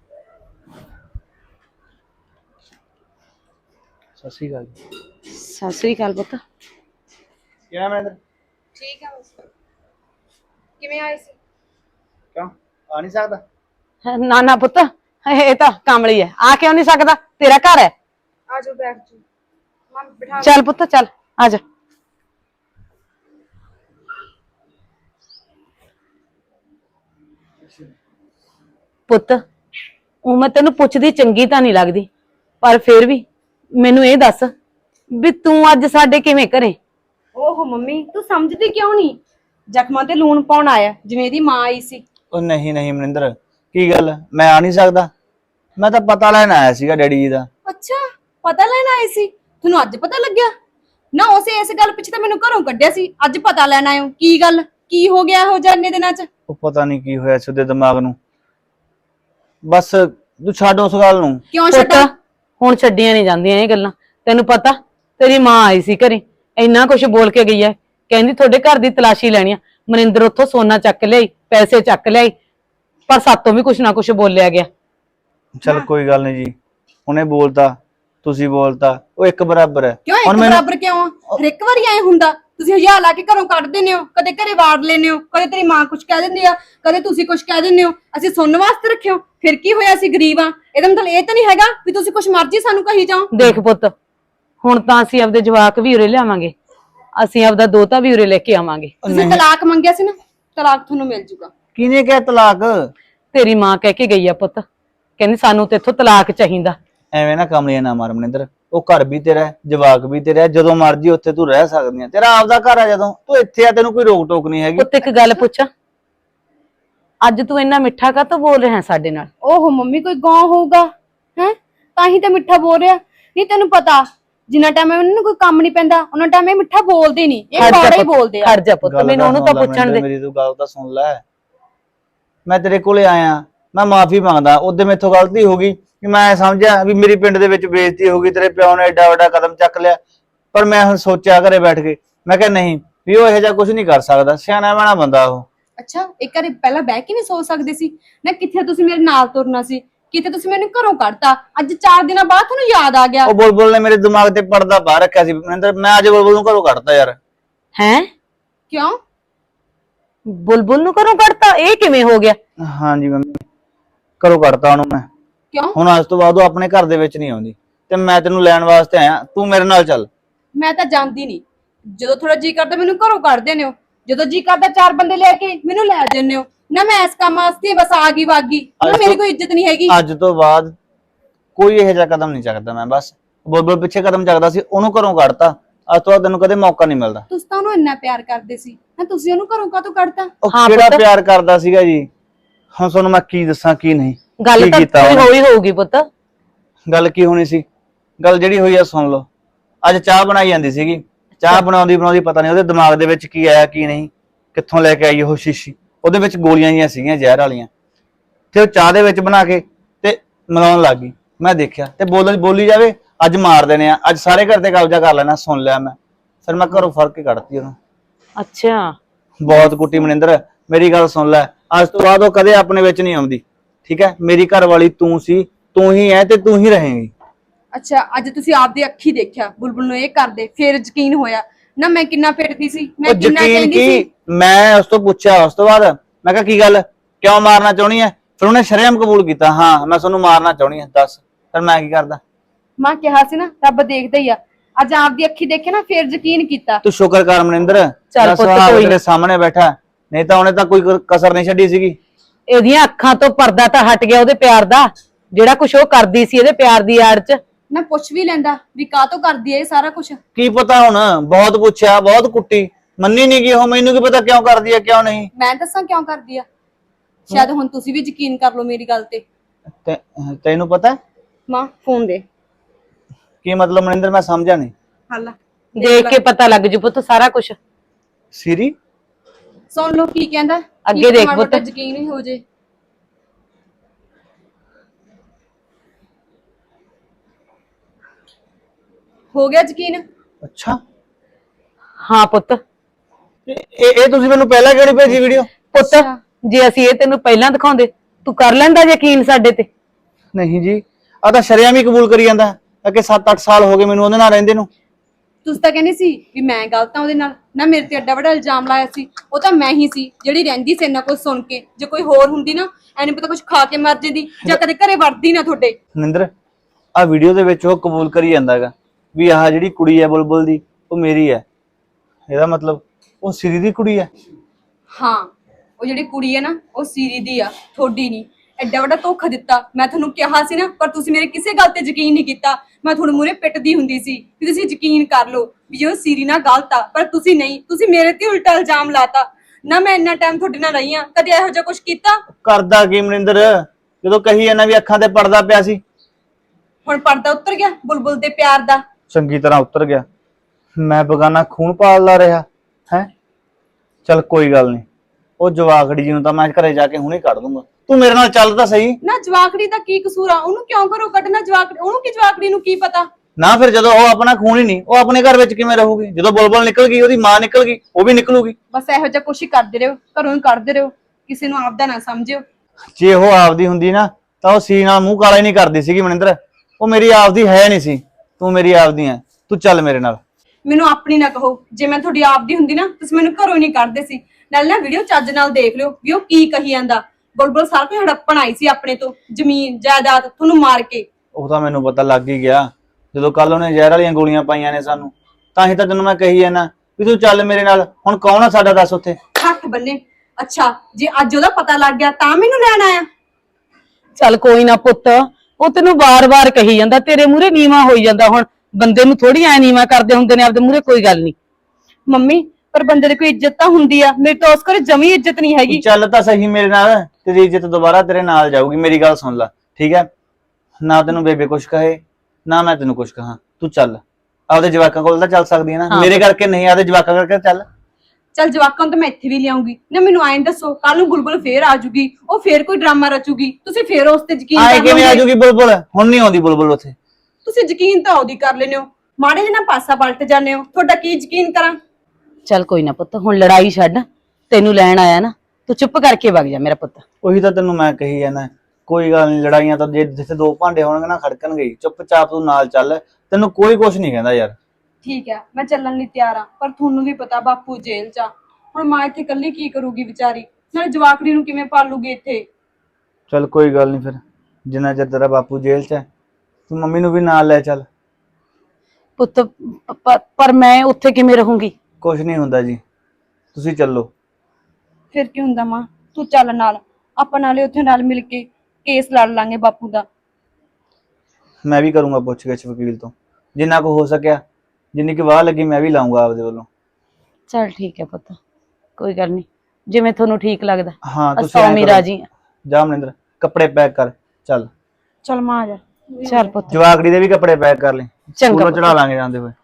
Speaker 5: ਸਤਿ ਸ਼੍ਰੀ ਅਕਾਲ।
Speaker 8: ਸਤਿ ਸ੍ਰੀ ਅਕਾਲ ਪੁੱਤ।
Speaker 5: ਕਿਆ ਮਨਿੰਦਰ?
Speaker 3: ਠੀਕ ਆ ਬਸ। ਕਿਵੇਂ ਆਏ ਸੀ?
Speaker 5: ਕਿਉਂ ਆ ਨਹੀਂ ਸਕਦਾ?
Speaker 8: ਨਾ ਨਾ ਪੁੱਤ, ਇਹ ਤਾਂ ਕਾਮਲੀ ਹੈ, ਆ ਕਿਉਂ ਨਹੀਂ ਸਕਦਾ? ਤੇਰਾ ਘਰ ਹੈ।
Speaker 3: ਆ ਜਾਓ, ਬੈਠ ਜਾਓ। ਮਾਂ ਬਿਠਾ।
Speaker 8: ਚੱਲ ਪੁੱਤ ਚੱਲ, ਆ ਜਾ। ਪੁੱਤ ਉਹ ਮੈਂ ਤੈਨੂੰ ਪੁੱਛਦੀ ਚੰਗੀ ਤਾਂ ਨਹੀਂ ਲੱਗਦੀ, ਪਰ ਫਿਰ ਵੀ ਮੈਨੂੰ ਇਹ ਦੱਸ ਵੀ ਤੂੰ ਅੱਜ ਸਾਡੇ ਕਿਵੇਂ ਘਰੇ?
Speaker 3: ਓਹੋ ਮੰਮੀ, ਤੂੰ ਸਮਝਦੀ ਕਿਉਂ ਨਹੀਂ? ਜ਼ਖਮਾਂ ਤੇ ਲੂਣ ਪਾਉਣ ਆਇਆ, ਜਿਵੇਂ ਇਹਦੀ ਮਾਂ ਆਈ ਸੀ।
Speaker 9: ਉਹ ਨਹੀਂ ਨਹੀਂ ਮਨਿੰਦਰ, ਕੀ ਗੱਲ, ਮੈਂ ਆ ਨਹੀਂ ਸਕਦਾ? ਮੈਂ ਤਾਂ ਪਤਾ ਲੈਣ ਆਇਆ ਸੀਗਾ ਡੈਡੀ ਜੀ ਦਾ।
Speaker 3: ਅੱਛਾ, ਪਤਾ ਲੈਣ ਆਏ ਸੀ? ਤੁਹਾਨੂੰ ਅੱਜ ਪਤਾ ਲੱਗਿਆ? ਨਾ ਉਸੇ ਇਸ ਗੱਲ ਪਿੱਛੇ ਤਾਂ ਮੈਨੂੰ ਘਰੋਂ ਕੱਢਿਆ ਸੀ, ਅੱਜ ਪਤਾ ਲੈਣ ਆਏ ਹੋ? ਕੀ ਗੱਲ, ਕੀ ਹੋ ਗਿਆ ਇਹੋ ਜਿਹਾ ਇੰਨੇ ਦਿਨਾਂ 'ਚ?
Speaker 9: ਉਹ ਪਤਾ ਨਹੀਂ ਕੀ ਹੋਇਆ ਸੀ ਉਹਦੇ ਦਿਮਾਗ ਨੂੰ। ਬਸ ਤੂੰ ਛੱਡ ਉਸ ਗੱਲ ਨੂੰ।
Speaker 3: ਕਿਉਂ
Speaker 8: ਪੁੱਤ
Speaker 3: ਛੱਡਾਂ?
Speaker 8: ਹੁਣ ਛੱਡੀਆਂ ਨਹੀਂ ਜਾਂਦੀਆਂ ਇਹ ਗੱਲਾਂ। ਤੈਨੂੰ ਪਤਾ ਤੇਰੀ ਮਾਂ ਆਈ ਸੀ ਘਰੇ, ਇੰਨਾ ਕੁਝ ਬੋਲ ਕੇ ਗਈ ਹੈ, ਕਹਿੰਦੀ ਤੁਹਾਡੇ ਘਰ ਦੀ ਤਲਾਸ਼ੀ ਲੈਣੀ ਆ। ਮਨਿੰਦਰ ਉੱਥੋਂ ਸੋਨਾ ਚੱਕ ਲਿਆਈ, ਪੈਸੇ ਚੱਕ ਲਿਆਈ, ਪਰ ਸਾਤੋਂ ਵੀ ਕੁਛ ਨਾ ਕੁਛ ਬੋਲਿਆ ਗਿਆ।
Speaker 9: ਚਲ ਕੋਈ ਗੱਲ ਨਹੀਂ ਜੀ, ਉਹਨੇ ਬੋਲਤਾ, ਤੁਸੀਂ ਬੋਲਤਾ, ਉਹ ਇੱਕ ਬਰਾਬਰ ਹੈ।
Speaker 3: ਕਿਉਂ ਇੱਕ ਬਰਾਬਰ ਕਿਉਂ ਆ? ਹਰ ਇੱਕ ਵਾਰੀ ਐ ਹੁੰਦਾ, ਤੁਸੀਂ ਹਜ਼ਾਰ ਲਾ ਕੇ ਘਰੋਂ ਕੱਢ ਦਿੰਦੇ ਹੋ, ਕਦੇ ਘਰੇ ਵਾੜ ਲੈਨੇ ਹੋ, ਕਦੇ ਤੇਰੀ ਮਾਂ ਕੁਝ ਕਹਿ ਦਿੰਦੀ ਆ, ਕਦੇ ਤੁਸੀਂ ਕੁਝ ਕਹਿ ਦਿੰਦੇ ਹੋ। ਅਸੀਂ ਸੁਣਨ ਵਾਸਤੇ ਰੱਖਿਓ, ਫਿਰ ਕੀ ਹੋਇਆ? ਅਸੀਂ ਗਰੀਬ ਆ, ਇਹਦਾ ਮਤਲਬ ਇਹ ਤਾਂ ਨਹੀਂ ਹੈਗਾ ਵੀ ਤੁਸੀਂ ਕੁਝ ਮਰਜ਼ੀ ਸਾਨੂੰ ਕਹੀ ਜਾਓ।
Speaker 8: ਦੇਖ ਪੁੱਤ, ਹੁਣ ਤਾਂ ਅਸੀਂ ਆਪਦੇ ਜਵਾਕ ਵੀ ਉਰੇ ਲਿਆਵਾਂਗੇ, ਅਸੀਂ ਆਪਦਾ ਦੋਤਾ ਵੀ ਉਰੇ ਲੈ ਕੇ ਆਵਾਂਗੇ।
Speaker 3: ਤੁਸੀਂ ਤਲਾਕ ਮੰਗਿਆ ਸੀ ਨਾ, ਤਲਾਕ ਤੁਹਾਨੂੰ ਮਿਲ ਜੂਗਾ।
Speaker 9: ਕਿਹਨੇ ਕਿਹਾ ਤਲਾਕ?
Speaker 8: ਤੇਰੀ ਮਾਂ ਕਹਿ ਕੇ ਗਈ ਆ ਪੁੱਤ, ਕਹਿੰਦੀ ਸਾਨੂੰ ਤੇ ਇੱਥੋਂ ਤਲਾਕ ਚਾਹੀਦਾ।
Speaker 9: ਐਵੇਂ ਨਾ ਕਮਲੀਆਂ ਨਾ ਮਾਰ ਮਨਿੰਦਰ, ਉਹ ਘਰ ਵੀ ਤੇਰਾ ਹੈ, ਜਵਾਕ ਵੀ ਤੇਰਾ ਹੈ, ਜਦੋਂ ਮਰਜੀ ਉੱਥੇ ਤੂੰ ਰਹਿ ਸਕਦੀ ਹੈ, ਤੇਰਾ ਆਪਦਾ ਘਰ ਆ। ਜਦੋਂ ਤੂੰ ਇੱਥੇ ਆ ਤੈਨੂੰ ਕੋਈ ਰੋਕ ਟੋਕ ਨਹੀਂ ਹੈਗੀ।
Speaker 8: ਪੁੱਤ ਇੱਕ ਗੱਲ ਪੁੱਛਾਂ, ਅੱਜ ਤੂੰ ਇੰਨਾ ਮਿੱਠਾ ਕਾਹਤੋਂ ਬੋਲ ਰਿਹਾ ਸਾਡੇ ਨਾਲ?
Speaker 3: ਓਹੋ ਮੰਮੀ, ਕੋਈ ਗਾਂ ਹੋਊਗਾ ਹੈ ਤਾਂ ਹੀ ਤਾਂ ਮਿੱਠਾ ਬੋਲ ਰਿਹਾ। ਨਹੀਂ ਤੈਨੂੰ ਪਤਾ, ਜਿੰਨਾ ਟਾਈਮ ਇਹਨਾਂ ਨੂੰ ਕੋਈ ਕੰਮ ਨਹੀਂ ਪੈਂਦਾ ਉਹਨਾਂ ਟਾਈਮ ਇਹ ਮਿੱਠਾ ਬੋਲਦੇ ਨਹੀਂ, ਇਹ ਬੜਾ ਹੀ ਬੋਲਦੇ ਆ।
Speaker 8: ਖੜ ਜਾ ਪੁੱਤ, ਮੈਨੂੰ ਉਹਨੂੰ ਤਾਂ ਪੁੱਛਣ ਦੇ।
Speaker 9: ਮੇਰੀ ਤੂੰ ਗੱਲ ਤਾਂ ਸੁਣ ਲੈ। ਮੈਂ ਤੇਰੇ ਕੋਲੇ ਆਇਆ, ਮੈਂ ਮਾਫੀ ਮੰਗਦਾ, ਉਹਦੇ ਮੇਥੋਂ ਗਲਤੀ ਹੋ ਗਈ ਕਿ ਮੈਂ ਸਮਝਿਆ ਵੀ ਮੇਰੀ ਪਿੰਡ ਦੇ ਵਿੱਚ ਬੇਇੱਜ਼ਤੀ ਹੋ ਗਈ, ਤੇਰੇ ਪਿਓ ਨੇ ਐਡਾ ਵੱਡਾ ਕਦਮ ਚੱਕ ਲਿਆ। ਪਰ ਮੈਂ ਹੁਣ ਸੋਚਿਆ ਘਰੇ ਬੈਠ ਕੇ, ਮੈਂ ਕਿਹਾ ਨਹੀਂ ਵੀ ਉਹ ਇਹੋ ਜਿਹਾ ਕੁਝ ਨਹੀਂ ਕਰ ਸਕਦਾ, ਸਿਆਣਾ ਬਣਾ ਬੰਦਾ ਉਹ।
Speaker 3: ਅੱਛਾ, ਇੱਕ ਵਾਰੀ ਪਹਿਲਾਂ ਬਹਿ ਕੇ ਨਹੀਂ ਸੋਚ ਸਕਦੇ ਸੀ ਨਾ? ਕਿੱਥੇ ਤੁਸੀਂ ਮੇਰੇ ਨਾਲ ਤੁਰਨਾ ਸੀ, ਕਿਤੇ ਤੁਸੀਂ ਮੈਨੂੰ ਘਰੋਂ ਕੱਢਤਾ, ਅੱਜ 4 ਦਿਨਾਂ ਬਾਅਦ ਤੁਹਾਨੂੰ ਯਾਦ ਆ ਗਿਆ।
Speaker 9: ਉਹ ਬੁਲਬੁਲ ਨੇ ਮੇਰੇ ਦਿਮਾਗ ਤੇ ਪਰਦਾ ਪਾ ਰੱਖਿਆ ਸੀ ਮਨਿੰਦਰ, ਮੈਂ ਅੱਜ ਬੁਲਬੁਲ ਨੂੰ ਘਰੋਂ ਕੱਢਤਾ ਯਾਰ।
Speaker 8: ਹੈਂ?
Speaker 3: ਕਿਉਂ?
Speaker 8: ਬੁਲਬੁਲ ਨੂੰ ਘਰੋਂ ਕੱਢਤਾ? ਇਹ ਕਿਵੇਂ ਹੋ ਗਿਆ?
Speaker 9: ਹਾਂਜੀ ਮੰਮੀ, ਘਰੋਂ ਕੱਢਤਾ ਉਹਨੂੰ ਮੈਂ।
Speaker 3: ਕਿਉਂ?
Speaker 9: ਹੁਣ ਅੱਜ ਤੋਂ ਬਾਅਦ ਉਹ ਆਪਣੇ ਘਰ ਦੇ ਵਿੱਚ ਨਹੀਂ ਆਉਂਦੀ, ਤੇ ਮੈਂ ਤੈਨੂੰ ਲੈਣ ਵਾਸਤੇ ਆਇਆ, ਤੂੰ ਮੇਰੇ ਨਾਲ ਚੱਲ।
Speaker 3: ਮੈਂ ਤਾਂ ਜਾਂਦੀ ਨਹੀਂ, ਜਦੋਂ ਥੋੜਾ ਜੀ ਕਰਦਾ ਮੈਨੂੰ ਘਰੋਂ ਕੱਢ ਦਿੰਦੇ ਹੋ, ਜਦੋਂ ਜੀ ਕਰਦਾ 4 ਬੰਦੇ ਲੈ ਕੇ ਮੈਨੂੰ ਲੈ ਜਾਂਦੇ ਹੋ ਨਾ। ਮੈਂ ਇਸ ਕੰਮ ਵਾਸਤੇ ਬਸ ਆ ਗਈ ਵਾਗੀ ਨਾ, ਮੇਰੀ ਕੋਈ ਇੱਜ਼ਤ ਨਹੀਂ ਹੈਗੀ।
Speaker 9: ਅੱਜ ਤੋਂ ਬਾਅਦ ਕੋਈ ਇਹੋ ਜਿਹਾ ਕਦਮ ਨਹੀਂ ਚੱਕਦਾ ਮੈਂ, ਬਸ ਬੁਲਬੁਲ ਪਿੱਛੇ ਕਦਮ ਚੱਕਦਾ ਸੀ, ਉਹਨੂੰ ਘਰੋਂ ਕੱਢਤਾ। ਅੱਜ ਤੋਂ ਬਾਅਦ ਤੈਨੂੰ ਕਦੇ ਮੌਕਾ ਨਹੀਂ ਮਿਲਦਾ।
Speaker 3: ਤੁਸੀਂ ਤਾਂ ਉਹਨੂੰ ਇੰਨਾ ਪਿਆਰ ਕਰਦੇ ਸੀ ਨਾ, ਤੁਸੀਂ ਉਹਨੂੰ ਘਰੋਂ ਕਾਹਤੋਂ ਕੱਢਤਾ?
Speaker 9: ਉਹ
Speaker 8: ਹਾਂ
Speaker 9: ਕਿਹੜਾ
Speaker 8: ਪੁੱਤ।
Speaker 9: ਪਿਆਰ ਕਰਦਾ ਸੀਗਾ ਜੀ, ਹੁਣ ਤੁਹਾਨੂੰ ਮੈਂ ਕੀ ਦੱਸਾਂ ਕੀ ਨਹੀਂ।
Speaker 8: ਗੱਲ
Speaker 9: ਕੀ
Speaker 8: ਤਾਂ
Speaker 9: ਕੀਤਾ
Speaker 8: ਥੋੜੀ
Speaker 9: ਉਹਨੇ?
Speaker 8: ਹੋਈ ਹੋਊਗੀ ਪੁੱਤ।
Speaker 9: ਗੱਲ ਕੀ ਹੋਣੀ ਸੀ? ਗੱਲ ਜਿਹੜੀ ਹੋਈ ਆ ਸੁਣ ਲਓ। ਅੱਜ ਚਾਹ ਬਣਾਈ ਜਾਂਦੀ ਸੀਗੀ, ਚਾਹ ਬਣਾਉਂਦੀ ਬਣਾਉਂਦੀ ਪਤਾ ਨਹੀਂ ਉਹਦੇ ਦਿਮਾਗ ਦੇ ਵਿੱਚ ਕੀ ਆਇਆ ਕੀ ਨਹੀਂ, ਕਿੱਥੋਂ ਲੈ ਕੇ ਆਈ ਉਹ ਸ਼ੀਸ਼ੀ, ਉਹਦੇ ਵਿੱਚ ਗੋਲੀਆਂ ਜੀਆਂ ਸੀਗੀਆਂ ਜ਼ਹਿਰ ਵਾਲੀਆਂ, ਤੇ ਉਹ ਚਾਹ ਦੇ ਵਿੱਚ ਬਣਾ ਕੇ ਤੇ ਮਿਲਾਉਣ ਲੱਗ ਗਈ। ਮੈਂ ਦੇਖਿਆ ਤੇ ਬੋਲੀ ਜਾਵੇ ਅੱਜ ਮਾਰ ਦੇਣੇ ਆ, ਅੱਜ ਸਾਰੇ ਘਰ ਤੇ ਕਬਜ਼ਾ ਕਰ ਲੈਣਾ। ਸੁਣ ਲਿਆ ਮੈਂ, ਫਿਰ ਮੈਂ ਘਰੋਂ ਫੜ ਕੇ ਕੱਢਤੀ ਉਹਨੂੰ।
Speaker 8: ਅੱਛਾ,
Speaker 9: ਬਹੁਤ ਕੁੱਟੀ ਮਨਿੰਦਰ, ਮੇਰੀ ਗੱਲ ਸੁਣ ਲੈ, ਅੱਜ ਤੋਂ ਬਾਅਦ ਉਹ ਕਦੇ ਆਪਣੇ ਵਿੱਚ ਨਹੀਂ ਆਉਂਦੀ, ਠੀਕ ਹੈ? ਮੇਰੀ ਘਰ ਵਾਲੀ ਤੂੰ ਸੀ, ਤੂੰ ਹੀ ਹੈ ਤੇ ਤੂੰ ਹੀ ਰਹੇਂਗੀ।
Speaker 3: ਅੱਛਾ, ਅੱਜ ਤੁਸੀਂ ਆਪਦੀ ਅੱਖੀ ਦੇਖਿਆ ਬੁਲਬੁਲ ਨੂੰ ਇਹ ਕਰਦੇ, ਫਿਰ ਯਕੀਨ ਹੋਇਆ ਨਾ ਮੈਂ ਕਿੰਨਾ ਫਿਰਦੀ ਸੀ, ਮੈਂ
Speaker 9: ਉਹ
Speaker 3: ਕਿੰਨਾ
Speaker 9: ਯਕੀਨ
Speaker 3: ਕਹਿੰਦੀ ਸੀ।
Speaker 9: ਕੀ, ਮੈਂ ਉਸ ਤੋਂ ਪੁੱਛਿਆ, ਉਸ ਤੋਂ ਬਾਅਦ ਮੈਂ ਕਿਹਾ ਕੀ ਗੱਲ, ਕਿਉਂ ਮਾਰਨਾ ਚਾਹੁੰਦੀ ਹੈ? ਫਿਰ ਉਹਨੇ ਸ਼ਰੇਆਮ ਕਬੂਲ ਕੀਤਾ, ਹਾਂ ਮੈਂ ਤੁਹਾਨੂੰ ਮਾਰਨਾ ਚਾਹੁੰਦੀ ਹਾਂ। ਦੱਸ ਫਿਰ ਮੈਂ ਕੀ ਕਰਦਾ?
Speaker 3: ਮਾਂ ਕਿਹਾ ਸੀ ਨਾ, ਰੱਬ ਦੇਖਦਾ ਹੀ ਆ। ਅੱਜ ਆਪਦੀ ਅੱਖੀ ਦੇਖੇ ਨਾ, ਫਿਰ ਯਕੀਨ ਕੀਤਾ।
Speaker 9: ਤੂੰ ਸ਼ੁਕਰ ਕਰ ਮਨਿੰਦਰ,
Speaker 8: ਚੱਲ ਪੁੱਤ
Speaker 9: ਸੁਹਾਗ
Speaker 8: ਕੋਈ
Speaker 9: ਤੇਰੇ ਸਾਹਮਣੇ ਬੈਠਾ, ਨਹੀਂ ਤਾਂ ਉਹਨੇ ਤਾਂ ਕੋਈ ਕਸਰ ਨਹੀਂ ਛੱਡੀ ਸੀਗੀ।
Speaker 8: ਇਹਦੀਆਂ ਅੱਖਾਂ ਤੋਂ ਪਰਦਾ ਤਾਂ ਹਟ ਗਿਆ ਉਹਦੇ ਪਿਆਰ ਦਾ, ਜਿਹੜਾ ਕੁਛ ਉਹ ਕਰਦੀ ਸੀ ਇਹਦੇ ਪਿਆਰ ਦੀ ਆੜ 'ਚ।
Speaker 3: ਨਾ ਪੁੱਛ ਵੀ ਲੈਂਦਾ ਵੀ ਕਾਹਤੋਂ ਕਰਦੀ ਹੈ ਇਹ ਸਾਰਾ ਕੁਝ।
Speaker 9: ਕੀ ਪਤਾ ਹੁਣ, ਬਹੁਤ ਪੁੱਛਿਆ, ਬਹੁਤ ਕੁੱਟੀ, ਮੰਨੀ ਨਹੀਂ ਗਈ ਉਹ। ਮੈਨੂੰ ਕੀ ਪਤਾ ਕਿਉਂ ਕਰਦੀ ਹੈ ਕਿਉਂ ਨਹੀਂ।
Speaker 3: ਮੈਂ ਦੱਸਾਂ ਕਿਉਂ ਕਰਦੀ ਆ? ਸ਼ਾਇਦ ਹੁਣ ਤੁਸੀਂ ਵੀ ਯਕੀਨ ਕਰ ਲਓ ਮੇਰੀ ਗੱਲ ਤੇ।
Speaker 9: ਤੈਨੂੰ ਪਤਾ?
Speaker 3: ਮਾਂ ਫੋਨ ਦੇ।
Speaker 9: ਕੀ ਮਤਲਬ ਮਨਿੰਦਰ, ਮੈਂ ਸਮਝਿਆ ਨਹੀਂ।
Speaker 3: ਹੱਲਾ
Speaker 8: ਦੇਖ ਕੇ ਪਤਾ ਲੱਗ ਜੂ ਪੁੱਤ ਸਾਰਾ ਕੁਝ।
Speaker 9: ਸਿਰੀ
Speaker 3: ਸੁਣ ਲਓ ਕੀ ਕਹਿੰਦਾ।
Speaker 8: ਅੱਗੇ ਦੇਖ ਪੁੱਤ।
Speaker 3: ਯਕੀਨ ਹੀ ਹੋ ਜੇ। ਹੋ ਗਿਆ ਯਕੀਨ?
Speaker 9: ਅੱਛਾ,
Speaker 8: ਹਾਂ ਪੁੱਤ।
Speaker 9: ਇਹ ਤੁਸੀਂ ਮੈਨੂੰ ਪਹਿਲਾਂ ਕਿਉਂ ਨਹੀਂ ਭੇਜੀ ਵੀਡੀਓ?
Speaker 8: ਪੁੱਤ ਜੇ ਅਸੀਂ ਇਹ ਤੈਨੂੰ ਪਹਿਲਾਂ ਦਿਖਾਉਂਦੇ ਤੂੰ ਕਰ ਲੈਂਦਾ ਯਕੀਨ ਸਾਡੇ ਤੇ?
Speaker 9: ਨਹੀਂ ਜੀ, ਆ ਤਾਂ ਸ਼ਰੇਆਮ ਹੀ ਕਬੂਲ ਕਰੀ ਜਾਂਦਾ ਕਿ 7-8 ਸਾਲ ਹੋ ਗਏ ਮੈਨੂੰ ਉਹਦੇ ਨਾਲ ਰਹਿੰਦੇ ਨੂੰ।
Speaker 3: ਤੁਸੀਂ ਤਾਂ ਕਹਿੰਦੇ ਸੀ ਵੀ ਮੈਂ ਗਲਤ ਆ ਉਹਦੇ ਨਾਲ। ਨਾ ਮੇਰੇ ਤੇ ਐਡਾ ਵੱਡਾ ਇਲਜ਼ਾਮ ਲਾਇਆ ਸੀ। ਉਹ ਤਾਂ ਮੈਂ ਹੀ ਸੀ ਜਿਹੜੀ ਰਹਿੰਦੀ ਸੀ ਇਹਨਾਂ ਕੋਲ ਸੁਣ ਕੇ। ਜੇ ਕੋਈ ਹੋਰ ਹੁੰਦੀ ਨਾ ਐਨੇ ਪਤਾ ਕੁਝ ਖਾ ਕੇ ਮਰ ਜਾਂਦੀ ਜਾਂ ਕਦੇ ਘਰੇ ਵੜਦੀ ਨਾ ਤੁਹਾਡੇ।
Speaker 9: ਮਨਿੰਦਰ, ਆ ਵੀਡੀਓ ਦੇ ਵਿੱਚ ਉਹ ਕਬੂਲ ਕਰੀ ਜਾਂਦਾ ਹੈਗਾ ਵੀ ਆਹ ਜਿਹੜੀ ਕੁੜੀ ਹੈ ਬੁਲਬੁਲ ਦੀ, ਉਹ ਮੇਰੀ ਹੈ। ਇਹਦਾ ਮਤਲਬ ਉਹ ਸਿਰੀ ਦੀ ਕੁੜੀ ਹੈ।
Speaker 3: ਹਾਂ, ਉਹ ਜਿਹੜੀ ਕੁੜੀ ਹੈ ਨਾ ਉਹ ਸੀਰੀ ਦੀ ਆ, ਤੁਹਾਡੀ ਨਹੀਂ। ਐਡਾ ਵੱਡਾ ਧੋਖਾ ਦਿੱਤਾ। ਮੈਂ ਤੁਹਾਨੂੰ ਕਿਹਾ ਸੀ ਨਾ, ਪਰ ਤੁਸੀਂ ਮੇਰੇ ਕਿਸੇ ਗੱਲ ਤੇ ਯਕੀਨ ਨਹੀਂ ਕੀਤਾ। ਮੈਂ ਤੁਹਾਨੂੰ ਮੂਹਰੇ ਪਿੱਟਦੀ ਹੁੰਦੀ ਸੀ ਵੀ ਤੁਸੀਂ ਯਕੀਨ ਕਰ ਲਓ ਵੀ ਉਹ ਸੀਰੀ ਨਾਲ ਗਲਤ ਆ, ਪਰ ਤੁਸੀਂ ਨਹੀਂ। ਤੁਸੀਂ ਮੇਰੇ ਤੇ ਉਲਟਾ ਇਲਜ਼ਾਮ ਲਾਤਾ ਨਾ। ਮੈਂ ਇੰਨਾ ਟਾਈਮ ਤੁਹਾਡੇ ਨਾਲ ਰਹੀ ਆ, ਕਦੇ ਇਹੋ ਜਿਹਾ ਕੁਝ ਕੀਤਾ?
Speaker 9: ਕਰਦਾ ਕੀ ਮਨਿੰਦਰ, ਜਦੋਂ ਕਹੀ ਜਾਂਦਾ ਵੀ ਅੱਖਾਂ ਤੇ ਪਰਦਾ ਪਿਆ ਸੀ।
Speaker 3: ਹੁਣ ਪਰਦਾ ਉਤਰ ਗਿਆ ਬੁਲਬੁਲ ਦੇ ਪਿਆਰ ਦਾ?
Speaker 9: ਚੰਗੀ ਤਰ੍ਹਾਂ ਉਤਰ ਗਿਆ। ਮੈਂ ਬਗਾਨਾ ਖੂਨ ਪਾਲਦਾ ਰਿਹਾ ਹੈ। ਚਲ ਕੋਈ ਗੱਲ ਨਹੀਂ, ਉਹ ਜਵਾਕੜੀ ਜੀ ਨੂੰ ਤਾਂ ਮੈਂ ਘਰੇ ਜਾ ਕੇ ਹੁਣੇ ਕੱਢ ਦੂੰਗਾ। ਤੂੰ ਮੇਰੇ ਨਾਲ ਚੱਲ ਤਾਂ ਸਹੀ।
Speaker 3: ਨਾ ਜਵਾਕੜੀ ਦਾ ਕੀ ਕਸੂਰ ਆ? ਉਹਨੂੰ ਕਿਉਂ ਕਰੋ ਕੱਢਣਾ? ਜਵਾਕੜੀ ਉਹਨੂੰ ਕੀ, ਜਵਾਕੜੀ ਨੂੰ ਕੀ ਪਤਾ?
Speaker 9: ਨਾ ਫਿਰ ਜਦੋਂ ਉਹ ਆਪਣਾ ਖੂਨ ਹੀ ਨਹੀਂ, ਉਹ ਆਪਣੇ ਘਰ ਵਿੱਚ ਕਿਵੇਂ ਰਹੂਗੀ? ਜਦੋਂ ਬੁਲਬੁਲ ਨਿਕਲ ਗਈ, ਉਹਦੀ ਮਾਂ ਨਿਕਲ ਗਈ, ਉਹ ਵੀ ਨਿਕਲੂਗੀ।
Speaker 3: ਬਸ ਇਹੋ ਜਿਹਾ ਕੁਛ ਹੀ ਕਰਦੇ ਰਹੋ, ਘਰੋਂ ਹੀ ਕੱਢਦੇ ਰਹੋ। ਕਿਸੇ ਨੂੰ ਆਪਦਾ ਨਾ ਸਮਝਿਓ।
Speaker 9: ਜੇ ਉਹ ਆਪਦੀ ਹੁੰਦੀ ਨਾ ਤਾਂ ਉਹ ਸੀ ਨਾਲ ਮੂੰਹ ਕਾਲਾ ਹੀ ਨਹੀਂ ਕਰਦੀ ਸੀਗੀ ਮਨਿੰਦਰ। ਉਹ ਮੇਰੀ ਆਪਦੀ ਹੈ ਨਹੀਂ ਸੀ, ਤੂੰ ਮੇਰੀ ਆਪਦੀ ਹੈ। ਤੂੰ ਚੱਲ ਮੇਰੇ ਨਾਲ।
Speaker 3: ਮੈਨੂੰ ਆਪਣੀ ਨਾ ਕਹੋ। ਜੇ ਮੈਂ ਤੁਹਾਡੀ ਆਪਦੀ ਹੁੰਦੀ ਨਾ ਤੁਸੀਂ ਮੈਨੂੰ ਘਰੋਂ ਹੀ ਨਹੀਂ ਕੱਢਦੇ ਸੀ। ਨਾਲ ਨਾ ਵੀਡੀਓ ਚੱਜ ਨਾਲ ਦੇਖ ਲਿਓ ਵੀ ਉਹ ਕੀ ਕਹੀ ਜਾਂਦਾ। ਬੁਲਬੁਲ ਸਾਰਾ ਕੁਝ ਹੜੱਪਣ ਆਈ ਸੀ ਆਪਣੇ ਤੋਂ, ਜ਼ਮੀਨ ਜਾਇਦਾਦ ਤੁਹਾਨੂੰ ਮਾਰ ਕੇ।
Speaker 9: ਉਹ ਤਾਂ ਮੈਨੂੰ ਪਤਾ ਲੱਗ ਹੀ ਗਿਆ ਜਦੋਂ ਕੱਲ ਉਹਨੇ ਜ਼ਹਿਰ ਵਾਲੀਆਂ ਗੋਲੀਆਂ ਪਾਈਆਂ ਨੇ ਸਾਨੂੰ। ਤਾਂ ਹੀ ਤਾਂ ਤੈਨੂੰ ਮੈਂ ਕਹੀ ਜਾਂਦਾ ਵੀ ਤੂੰ ਚੱਲ ਮੇਰੇ ਨਾਲ। ਹੁਣ ਕੌਣ ਆ ਸਾਡਾ, ਦੱਸ ਉੱਥੇ?
Speaker 3: ਹੱਥ ਬੰਨੇ। ਅੱਛਾ, ਜੇ ਅੱਜ ਉਹਦਾ ਪਤਾ ਲੱਗ ਗਿਆ ਤਾਂ ਮੈਨੂੰ ਲੈਣ ਆਇਆ?
Speaker 8: ਚੱਲ ਕੋਈ ਨਾ ਪੁੱਤ, ਉਹ ਤੈਨੂੰ ਵਾਰ-ਵਾਰ ਕਹੀ ਜਾਂਦਾ, ਤੇਰੇ ਮੂਹਰੇ ਨੀਵਾ ਹੋਈ ਜਾਂਦਾ। ਹੁਣ ਬੰਦੇ ਨੂੰ ਥੋੜੀ ਐ ਨੀਵਾ ਕਰਦੇ ਹੁੰਦੇ ਨੇ ਆਪਦੇ ਮੂਹਰੇ। ਕੋਈ ਗੱਲ ਨਹੀਂ
Speaker 3: ਮੰਮੀ, ਪਰ ਬੰਦੇ ਦੀ ਕੋਈ ਇੱਜ਼ਤ ਤਾਂ ਹੁੰਦੀ ਆ। ਮੇਰੀ ਤਾਂ ਉਸ ਘਰੇ ਜਮੀ ਇੱਜ਼ਤ ਨਹੀਂ ਹੈਗੀ।
Speaker 9: ਚੱਲ ਤਾਂ ਸਹੀ ਮੇਰੇ ਨਾਲ, ਤੇਰੀ ਇੱਜ਼ਤ ਦੁਬਾਰਾ ਤੇਰੇ ਨਾਲ ਜਾਊਗੀ। ਮੇਰੀ ਗੱਲ ਸੁਣ ਲੈ, ਠੀਕ ਹੈ? ਨਾ ਤੈਨੂੰ ਬੇਬੇ ਕੁਛ ਕਹੇ ਨਾ ਮੈਂ ਤੈਨੂੰ ਕੁਛ ਕਹਾਂ। ਤੂੰ ਚੱਲ, ਆਪਦੇ ਜਵਾਕਾਂ ਕੋਲ ਤਾਂ ਚੱਲ ਸਕਦੀ ਹੈ ਨਾ। ਮੇਰੇ ਕਰਕੇ ਨਹੀਂ, ਆਪਦੇ ਜਵਾਕਾਂ ਕਰਕੇ ਚੱਲ।
Speaker 3: ਚੱਲ ਜਵਾਕਾਂ ਨੂੰ ਤਾਂ ਮੈਂ ਇੱਥੇ ਵੀ ਲਿਆਉਂਗੀ ਨਾ। ਮੈਨੂੰ ਐਂ ਦੱਸੋ, ਕੱਲ ਨੂੰ ਬੁਲਬੁਲ ਫੇਰ ਆ ਜੂਗੀ, ਉਹ ਫੇਰ ਕੋਈ ਡਰਾਮਾ ਰਚੂਗੀ, ਤੁਸੀਂ ਫੇਰ ਉਸ ਤੇ ਯਕੀਨ
Speaker 9: ਆਏ
Speaker 3: ਕਰ
Speaker 9: ਕਿਵੇਂ ਆ
Speaker 3: ਲਓਗੇ?
Speaker 9: ਜੂਗੀ ਬੁਲਬੁਲ? ਹੁਣ ਨਹੀਂ ਆਉਂਦੀ ਬੁਲਬੁਲ ਉੱਥੇ।
Speaker 3: ਤੁਸੀਂ ਯਕੀਨ ਤਾਂ ਉਹਦੀ ਕਰ ਲੈਨੇ ਹੋ, ਮਾੜੇ ਜਿਹੇ ਨਾ ਪਾਸਾ ਪਲਟ ਜਾਂਦੇ ਹੋ। ਤੁਹਾਡਾ ਕੀ ਯਕੀਨ ਕਰਾਂ?
Speaker 8: ਚੱਲ ਕੋਈ ਨਾ ਪੁੱਤ, ਹੁਣ ਲੜਾਈ ਛੱਡ। ਤੈਨੂੰ ਲੈਣ ਆਇਆ ਨਾ, ਤੂੰ ਚੁੱਪ ਕਰਕੇ ਵਗ ਜਾ ਮੇਰਾ ਪੁੱਤ।
Speaker 9: ਉਹੀ ਤਾਂ ਤੈਨੂੰ ਮੈਂ ਕਹੀ ਜਾਂਦਾ, ਕੋਈ ਗੱਲ ਨਹੀਂ। ਲੜਾਈਆਂ ਤਾਂ ਜੇ ਜਿੱਥੇ ਦੋ ਭਾਂਡੇ ਹੋਣਗੇ ਨਾ ਖੜਕਣਗੇ ਹੀ। ਚੁੱਪਚਾਪ ਤੂੰ ਨਾਲ ਚੱਲ, ਤੈਨੂੰ ਕੋਈ ਕੁਛ ਨਹੀਂ ਕਹਿੰਦਾ ਯਾਰ।
Speaker 3: ਠੀਕ ਹੈ, ਮੈਂ ਚੱਲਣ ਲਈ ਤਿਆਰ ਆ, ਪਰ ਤੁਹਾਨੂੰ ਵੀ ਪਤਾ ਬਾਪੂ ਜੇਲ੍ਹ 'ਚ ਆ। ਹੁਣ ਮਾਂ ਇੱਥੇ ਇਕੱਲੀ ਕੀ ਕਰੂਗੀ ਵਿਚਾਰੀ? ਨਾਲੇ ਜਵਾਕੜੀ ਨੂੰ ਕਿਵੇਂ ਪਾਲੂਗੀ ਇੱਥੇ?
Speaker 9: ਚੱਲ ਕੋਈ ਗੱਲ ਨਹੀਂ, ਫਿਰ ਜਿੰਨਾ ਚਿਰ ਤੇਰਾ ਬਾਪੂ ਜੇਲ੍ਹ 'ਚ ਹੈ ਤੂੰ ਮੰਮੀ ਨੂੰ ਵੀ ਨਾਲ ਲੈ ਚੱਲ।
Speaker 8: ਪੁੱਤ ਪਰ ਮੈਂ ਉੱਥੇ ਕਿਵੇਂ ਰਹੂੰਗੀ?
Speaker 9: ਕੁਛ ਨਹੀਂ ਹੁੰਦਾ ਜੀ, ਤੁਸੀਂ ਚੱਲੋ।
Speaker 3: ਫਿਰ ਕੀ ਹੁੰਦਾ ਮਾਂ, ਤੂੰ ਚੱਲ ਨਾਲ। ਆਪਾਂ ਨਾਲੇ ਉੱਥੇ ਨਾਲ ਮਿਲ ਕੇ ਕੇਸ ਲੜ ਲਾਂਗੇ ਬਾਪੂ ਦਾ।
Speaker 9: ਮੈਂ ਵੀ ਕਰੂੰਗਾ ਪੁੱਛ-ਗਿੱਛ ਵਕੀਲ ਤੋਂ, ਜਿੰਨਾ ਕੁ ਹੋ ਸਕਿਆ। ਜਿੰਨੀ ਕੁ ਵਾਹ ਲੱਗੀ ਮੈਂ ਵੀ ਲਾਉਂਗਾ ਆਪਦੇ ਵੱਲੋਂ।
Speaker 8: ਚੱਲ ਠੀਕ ਹੈ ਪੁੱਤ, ਕੋਈ ਗੱਲ ਨਹੀਂ, ਜਿਵੇਂ ਤੁਹਾਨੂੰ ਠੀਕ ਲੱਗਦਾ।
Speaker 9: ਹਾਂ ਤੁਸੀਂ
Speaker 8: ਅਸੀਂ ਉਮੀ ਰਾਜੀ।
Speaker 9: ਜਾ ਮਨਿੰਦਰ, ਕੱਪੜੇ ਪੈਕ ਕਰ, ਚੱਲ।
Speaker 3: ਚੱਲ ਮਾਂ ਆ ਜਾ।
Speaker 8: ਚੱਲ ਪੁੱਤ,
Speaker 9: ਜਵਾਕੜੀ ਦੇ ਵੀ ਕੱਪੜੇ ਪੈਕ ਕਰ ਲੈ,
Speaker 8: ਚੰਗਾ
Speaker 9: ਸਕੂਲੋਂ
Speaker 8: ਪੁੱਤ।
Speaker 9: ਚੜਾ ਲਾਂਗੇ ਜਾਂਦੇ ਹੋਏ।